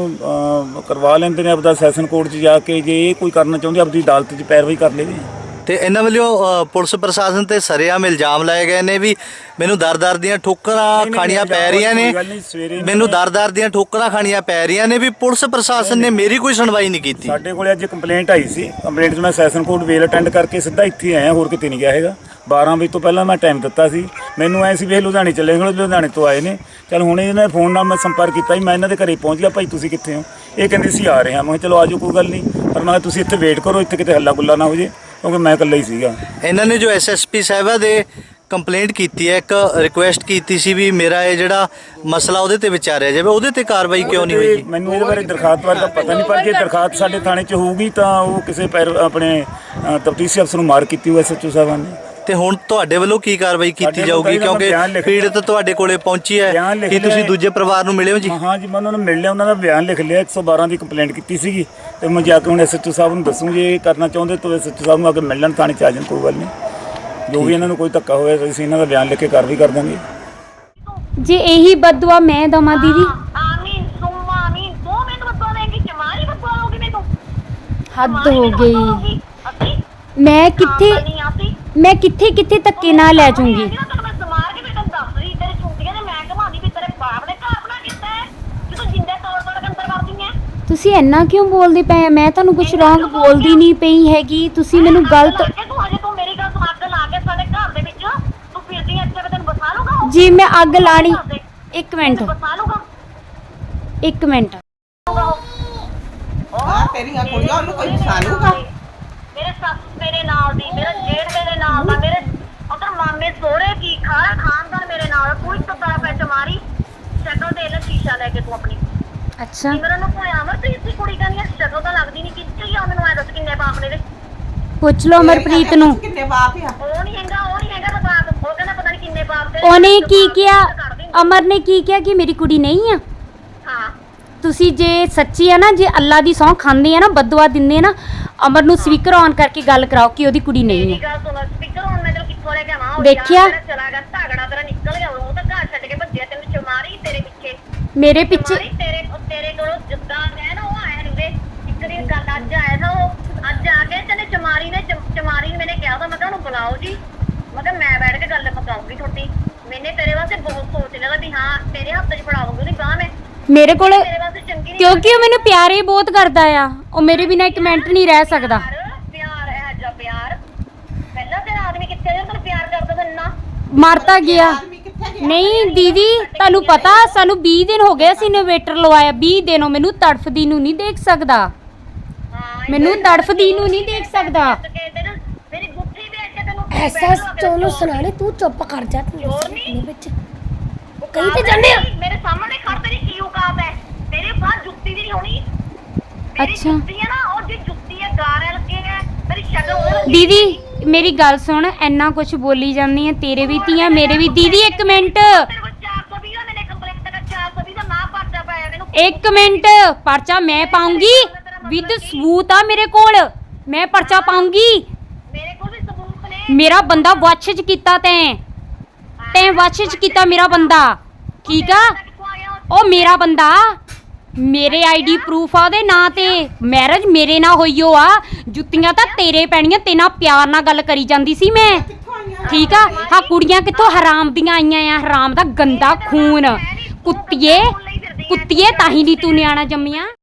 ਕਰਵਾ ਲੈਂਦੇ ਨੇ ਆਪਦਾ ਸੈਸ਼ਨ ਕੋਰਟ 'ਚ ਜਾ ਕੇ। ਜੇ ਇਹ ਕੋਈ ਕਰਨਾ ਚਾਹੁੰਦੇ, ਆਪਦੀ ਅਦਾਲਤ 'ਚ ਪੈਰਵਾਈ ਕਰ ਲਵੇ। ਤੇ ਇਹਨਾਂ ਵੱਲੋਂ ਪੁਲਿਸ ਪ੍ਰਸ਼ਾਸਨ ਤੇ ਸਰੇਆਮ ਇਲਜ਼ਾਮ ਲਾਏ ਗਏ ਨੇ ਵੀ ਮੈਨੂੰ ਦਰ-ਦਰ ਦੀਆਂ ਠੋਕਰਾਂ ਖਾਣੀਆਂ ਪੈ ਰਹੀਆਂ ਨੇ, ਮੈਨੂੰ ਦਰ-ਦਰ ਦੀਆਂ ਠੋਕਰਾਂ ਖਾਣੀਆਂ ਪੈ ਰਹੀਆਂ ਨੇ, ਵੀ ਪੁਲਿਸ ਪ੍ਰਸ਼ਾਸਨ ਨੇ ਮੇਰੀ ਕੋਈ ਸੁਣਵਾਈ ਨਹੀਂ ਕੀਤੀ। ਸਾਡੇ ਕੋਲੇ ਅੱਜ ਕੰਪਲੇਂਟ ਆਈ ਸੀ, ਕੰਪਲੇਂਟ 'ਚ ਮੈਂ ਸੈਸ਼ਨ ਕੋਰਟ ਵੇਲ ਅਟੈਂਡ ਕਰਕੇ ਸਿੱਧਾ ਇੱਥੇ ਆਇਆ, ਹੋਰ ਕਿਤੇ ਨਹੀਂ ਗਿਆ ਹੈਗਾ। 12 ਵਜੇ ਤੋਂ ਪਹਿਲਾਂ ਮੈਂ ਟਾਈਮ ਦਿੱਤਾ ਸੀ। ਮੈਨੂੰ ਐ ਸੀ ਵੀ ਲੁਧਿਆਣੇ ਚੱਲੇ ਗਏ, ਲੁਧਿਆਣੇ ਤੋਂ ਆਏ ਨੇ। ਚਲ ਹੁਣ ਇਹਨਾਂ ਫੋਨ ਨਾਲ ਮੈਂ ਸੰਪਰਕ ਕੀਤਾ, ਮੈਂ ਇਹਨਾਂ ਦੇ ਘਰੇ ਪਹੁੰਚ ਗਿਆ। ਭਾਈ ਤੁਸੀਂ ਕਿੱਥੇ ਹੋ? ਇਹ ਕਹਿੰਦੇ ਸੀ ਆ ਰਹੇ ਹਾਂ। ਮੈਂ ਕਿਹਾ ਚਲੋ ਆਜੋ, ਕੋਈ ਗੱਲ ਨਹੀਂ। ਪਰ ਮੈਂ ਕਿਹਾ ਤੁਸੀਂ ਇੱਥੇ ਵੇਟ ਕਰੋ, ਇੱਥੇ ਕਿਤੇ ਹੱਲਾ ਗੁੱਲਾ ਨਾ ਹੋ ਜੇ, ਕਿਉਂਕਿ ਮੈਂ ਇਕੱਲਾ ਹੀ ਸੀਗਾ। ਇਹਨਾਂ ਨੇ ਜੋ ਐਸਐਸਪੀ ਸਾਹਿਬਾ ਦੇ ਕੰਪਲੇਂਟ ਕੀਤੀ ਹੈ, ਇੱਕ ਰਿਕੁਐਸਟ ਕੀਤੀ ਸੀ ਵੀ ਮੇਰਾ ਇਹ ਜਿਹੜਾ ਮਸਲਾ ਉਹਦੇ ਤੇ ਵਿਚਾਰਿਆ ਜਾਵੇ, ਉਹਦੇ ਤੇ ਕਾਰਵਾਈ ਕਿਉਂ ਨਹੀਂ ਹੋਈ ਜੀ? ਮੈਨੂੰ ਇਹਦੇ ਬਾਰੇ ਦਰਖਾਸਤ ਬਾਰੇ ਤਾਂ ਪਤਾ ਨਹੀਂ, ਪਰ ਜੇ ਦਰਖਾਸਤ ਸਾਡੇ ਥਾਣੇ 'ਚ ਹੋਊਗੀ ਤਾਂ ਉਹ ਕਿਸੇ ਆਪਣੇ ਤਫਤੀਸ਼ੀ ਅਫਸਰ ਨੂੰ ਮਾਰ ਕੀਤੀ ਹੋਈ ਐਸਐਚਓ ਸਾਹਿਬਾਨ ਨੇ। ਤੇ ਹੁਣ ਤੁਹਾਡੇ ਵੱਲੋਂ ਕੀ ਕਾਰਵਾਈ ਕੀਤੀ ਜਾਊਗੀ? ਕਿਉਂਕਿ ਪੀੜਤ ਤੁਹਾਡੇ ਕੋਲੇ ਪਹੁੰਚੀ ਹੈ, ਕੀ ਤੁਸੀਂ ਦੂਜੇ ਪਰਿਵਾਰ ਨੂੰ ਮਿਲੇ ਹੋ ਜੀ? ਹਾਂ ਜੀ, ਮੈਂ ਉਹਨਾਂ ਨੂੰ ਮਿਲ ਲਿਆ, ਉਹਨਾਂ ਦਾ ਬਿਆਨ ਲਿਖ ਲਿਆ। 112 ਦੀ ਕੰਪਲੇਂਟ ਕੀਤੀ ਸੀਗੀ, ਤੇ ਮੈਂ ਜਾ ਕੇ ਹੁਣ ਐਸਐਚਓ ਸਾਹਿਬ ਨੂੰ ਦੱਸੂ। ਜੇ ਇਹ ਕਰਨਾ ਚਾਹੁੰਦੇ ਤਾਂ ਐਸਐਚਓ ਸਾਹਿਬ ਨੂੰ ਆ ਕੇ ਮਿਲ ਲੈਣ, ਥਾਣੇ 'ਚ ਆ ਜਾਣ, ਕੋਈ ਗੱਲ ਨਹੀਂ। ਜੋ ਵੀ ਇਹਨਾਂ ਨੂੰ ਕੋਈ ਧੱਕਾ ਹੋਇਆ, ਅਸੀਂ ਇਹਨਾਂ ਦਾ ਬਿਆਨ ਲਿਖ ਕੇ ਕਾਰਵਾਈ ਕਰ ਦਾਂਗੇ। ਜੇ ਇਹੀ ਬਦਦੁਆ ਮੈਂ ਦਵਾਂ ਦੀਦੀ, ਆਮੀਨ ਸੁਮਾ ਆਮੀਨ। 2 ਮਿੰਟ ਬਦਵਾ ਦੇਂਗੀ, ਚਮਾਰੀ ਬਦਵਾ ਲੋਗੀ ਮੈਨੂੰ। ਹੱਦ ਹੋ ਗਈ। ਅਸੀਂ ਮੈਂ ਕਿੱਥੇ ਨਹੀਂ ਆਤੀ, ਮੈਂ ਕਿੱਥੇ ਕਿੱਥੇ ਧੱਕੇ ਨਾਲ ਲੈ ਜਾਊਂਗੀ। ਮੈਂ ਸਮਾਰ ਕੇ ਬੇਟਾ ਦੱਸ ਰਹੀ, ਤੇਰੇ ਚੁੰਡੀਆਂ ਦੇ ਮੈਂ ਘਮਾਉਂਦੀ ਵੀ ਤੇਰੇ ਬਾਪ ਨੇ ਘਰ ਬਣਾ ਕੀਤਾ ਹੈ, ਕਿ ਤੂੰ ਜਿੰਦੇ ਤੌੜ ਤੌੜ ਕੇ ਅੰਦਰ ਵੜਦੀ ਹੈ। ਤੁਸੀਂ ਇੰਨਾ ਕਿਉਂ ਬੋਲਦੇ ਪਏ? ਮੈਂ ਤੁਹਾਨੂੰ ਕੁਝ ਰੋਂਗ ਬੋਲਦੀ ਨਹੀਂ ਪਈ ਹੈਗੀ, ਤੁਸੀਂ ਮੈਨੂੰ ਗਲਤ। ਤੂੰ ਮੇਰੀ ਗੱਲ ਸੁਣ, ਅੱਗ ਲਾ ਕੇ ਸਾਡੇ ਘਰ ਦੇ ਵਿੱਚ ਤੂੰ ਫਿਰਦੀ ਐ, ਇੱਥੇ ਤੈਨੂੰ ਬਸਾ ਲੂਗਾ? ਜੀ ਮੈਂ ਅੱਗ ਲਾਣੀ। 1 ਮਿੰਟ, ਬਸਾ ਲੂਗਾ? 1 ਮਿੰਟ। ਤੇਰੀਆਂ ਕੁੜੀਆਂ ਉਹਨੂੰ ਕੋਈ ਬਸਾ ਲੂਗਾ? ਮੇਰੇ ਸੱਸ ਮੇਰੇ ਨਾਲ ਦੀ, ਮੇਰਾ ਜੇਠ ਮੇਰੇ ਨਾਲ ਦਾ, ਮੇਰੇ ਉਧਰ ਮਾਮੇ ਸੋਹਰੇ ਕੀ ਖਾਨਦਾਨ ਮੇਰੇ ਨਾਲ। ਕੋਈ ਤਤਾਰਾ ਪੈਚ ਮਾਰੀ, ਸ਼ਕਲ ਦੇ ਲੈ ਸ਼ੀਸ਼ਾ ਲੈ ਕੇ ਤੂੰ ਆਪਣੀ। ਅੱਛਾ, ਸਿਮਰਨ ਨੂੰ ਕੋਈ ਅਮਰਪ੍ਰੀਤ ਦੀ ਕੁੜੀ ਕਹਿੰਦੀ ਆ, ਸ਼ਕਲ ਤਾਂ ਲੱਗਦੀ ਨਹੀਂ। ਕਿੱਥੇ ਆ? ਮੈਨੂੰ ਐ ਦੱਸ ਕਿੰਨੇ ਬਾਪ ਨੇ ਦੇ? ਪੁੱਛ ਲਓ ਅਮਰਪ੍ਰੀਤ ਨੂੰ। ਕਿੰਨੇ ਬਾਪ ਆ? ਉਹ ਨਹੀਂ ਹੈਗਾ ਬਾਪ। ਉਹ ਕਹਿੰਦਾ ਪਤਾ ਨਹੀਂ ਕਿੰਨੇ ਬਾਪ ਦੇ। ਉਹਨੇ ਕੀ ਕਿਹਾ? ਅਮਰ ਨੇ ਕੀ ਕਿਹਾ ਕਿ ਮੇਰੀ ਕੁੜੀ ਨਹੀਂ ਆ? ਹਾਂ, ਤੁਸੀਂ ਜੇ ਸੱਚੀ ਆ ਨਾ, ਜੇ ਅੱਲਾ ਦੀ ਸਹੁੰ ਖਾਂਦੇ ਆ ਨਾ, ਬਦਦੁਆ ਦਿੰਦੇ ਆ ਨਾ, ਅਮਰ ਨੂੰ ਸਪੀਕਰ ਔਨ ਕਰਕੇ ਗੱਲ ਕਰਾਓ ਕਿ ਉਹਦੀ ਕੁੜੀ ਨਹੀਂ ਮੇਰੀ ਹੈ। ਗੱਲ ਸੁਣ, ਸਪੀਕਰ ਹੁਣ ਮੈਂ ਤੈਨੂੰ ਕਿੱਥੋਂ ਲੈ ਕੇ ਆਵਾਂ? ਉਹ ਦੇਖਿਆ? ਯਾਰ ਤੇਰਾ ਚਲਾ ਗਿਆ, ਝਗੜਾ ਤੇਰਾ ਨਿਕਲ ਗਿਆ। ਉਹ ਤਾਂ ਘਰ ਛੱਡ ਕੇ ਭੱਜਿਆ, ਤੈਨੂੰ ਚਮਾਰੀ ਤੇਰੇ ਪਿੱਛੇ। ਮੇਰੇ ਪਿੱਛੇ ਚਮਾਰੀ ਤੇਰੇ ਕੋਲੋਂ ਜਿੱਦਾਂ ਹੈ ਨਾ, ਉਹ ਆਇਆ ਨੀਗੇ। ਇੱਕ ਦੀ ਗੱਲ ਅੱਜ ਆਇਆ था, ਉਹ ਅੱਜ ਆ ਕੇ ਤੈਨੂੰ ਚਮਾਰੀ ਨੇ ਮੈਨੇ ਕਿਹਾ ਤਾਂ, ਮੈਂ ਕਿਹਾ ਉਹਨੂੰ ਬੁਲਾਓ ਜੀ। ਮੈਂ ਕਿਹਾ ਮੈਂ ਬੈਠ ਕੇ ਗੱਲ ਪਕਾਉਂਗੀ ਤੁਹਾਡੀ। ਮੈਨੇ ਤੇਰੇ ਵਾਸਤੇ ਬਹੁਤ ਸੋਚ ਲਿਆ ਵੀ ਹਾਂ ਤੇਰੇ ਹੱਥ 'ਚ ਫੜਾਉਂਗੀ ਉਹਦੀ ਬਾਂਹ ਮੈਂ। ਮੇਰੇ ਕੋਲ, ਤੇਰੇ ਵਾਸਤੇ ਚੰਗੀ ਨਹੀਂ, ਕਿਉਂਕਿ ਉਹ ਮੈਨੂੰ ਪਿਆਰ ਹੀ ਬਹੁਤ ਕਰਦਾ ਆ। ਉਹ ਮੇਰੇ ਬਿਨਾਂ 1 ਮਿੰਟ ਨਹੀਂ ਰਹਿ ਸਕਦਾ। ਪਿਆਰ ਇਹ ਜਿਹਾ ਪਿਆਰ ਪਹਿਲਾਂ ਤੇਰਾ ਆਦਮੀ ਕਿੱਥੇ ਜਿਹੜਾ ਤੈਨੂੰ ਪਿਆਰ ਕਰਦਾ ਤਾਂ ਇੰਨਾ ਮਰਤਾ ਗਿਆ। ਨਹੀਂ ਦੀਦੀ, ਤੁਹਾਨੂੰ ਪਤਾ ਸਾਨੂੰ 20 ਦਿਨ ਹੋ ਗਏ, ਅਸੀਂ ਇਨਵੇਟਰ ਲਵਾਇਆ। 20 ਦਿਨੋਂ ਮੈਨੂੰ ਤੜਫਦੀ ਨੂੰ ਨਹੀਂ ਦੇਖ ਸਕਦਾ, ਮੈਨੂੰ ਤੜਫਦੀ ਨੂੰ ਨਹੀਂ ਦੇਖ ਸਕਦਾ। ਮੇਰੀ ਗੁੱਠੀ ਵੇਚ ਕੇ ਤੈਨੂੰ ਐਸਾ ਚੋਲੋ ਸੁਣਾਣੇ, ਤੂੰ ਚੁੱਪ ਕਰ ਜਾ। ਚੋਰ ਨਹੀਂ ਵਿੱਚ ਕहीं ਤੇ ਜਾਂਦੇ ਆ। ਮੇਰੇ ਸਾਹਮਣੇ ਖੜ, ਤੇਰੀ ਕੀ ਔਕਾਤ ਹੈ? ਤੇਰੇ ਬਾਹਰ ਜੁੱਤੀ ਵੀ ਨਹੀਂ ਹੋਣੀ। ਮੇਰੀ ਅੱਛਾ। ਜੁੱਤੀ ਹੈ ਨਾ, ਉਹ ਜੀ ਜੁੱਤੀ ਹੈ, ਗਾਰੇ ਲੱਗੇ ਹੈ, ਤੇਰੀ ਸ਼ਕਲ ਉਹ ਦੀਦੀ ਮੇਰੀ ਗੱਲ ਸੁਣ, ਇੰਨਾ ਕੁਝ ਬੋਲੀ ਜਾਂਦੀ ਹੈ, ਤੇਰੇ ਵੀ ਧੀਆਂ ਮੇਰੇ ਵੀ। ਦੀਦੀ ਇੱਕ ਮਿੰਟ, ਤੇਰੇ ਕੋਲ 420 ਦਾ ਮੈਨੇ ਕੰਪਲੇਂਟ ਕਰ 420 ਦਾ ਨਾ ਪਰਚਾ ਪਾਇਆ ਮੈਨੂੰ। ਇੱਕ ਮਿੰਟ, ਪਰਚਾ ਮੈਂ ਪਾਉਂਗੀ ਵਿਦ ਸਬੂਤ ਆ ਮੇਰੇ ਕੋਲ, ਮੈਂ ਪਰਚਾ ਪਾਉਂਗੀ। ਮੇਰੇ ਕੋਲ ਵੀ ਸਬੂਤ ਨੇ। ਮੇਰਾ ਬੰਦਾ ਵਾਸ਼ਿਸ਼ ਕੀਤਾ ਤੈਂ ਵਾਸ਼ਿਸ਼ ਕੀਤਾ ਮੇਰਾ ਬੰਦਾ, ਠੀਕ ਆ? ਕਿੱਥੋਂ ਆ ਗਿਆ ਉਹ? ਉਹ ਮੇਰਾ ਬੰਦਾ, ਮੇਰੇ ਆਈਡੀ ਪ੍ਰੂਫ ਆ ਉਹਦੇ ਨਾਂ ਤੇ, ਮੈਰਿਜ ਮੇਰੇ ਨਾਲ ਹੋਈ ਓ ਆ। ਜੁੱਤੀਆਂ ਤਾਂ ਤੇਰੇ ਪੈਣੀਆਂ, ਤੇ ਨਾਲ ਪਿਆਰ ਨਾਲ ਗੱਲ ਕਰੀ ਜਾਂਦੀ ਸੀ ਮੈਂ, ਠੀਕ ਆ? ਹਾਂ ਕੁੜੀਆਂ ਕਿੱਥੋਂ ਹਰਾਮ ਦੀਆਂ ਆਈਆਂ ਆ, ਹਰਾਮ ਦਾ ਗੰਦਾ ਖੂਨ। ਕੁੱਤੀਏ ਤਾਂ ਹੀ ਨਹੀਂ ਤੂੰ ਨਿਆਣਾ ਜੰਮਿਆ।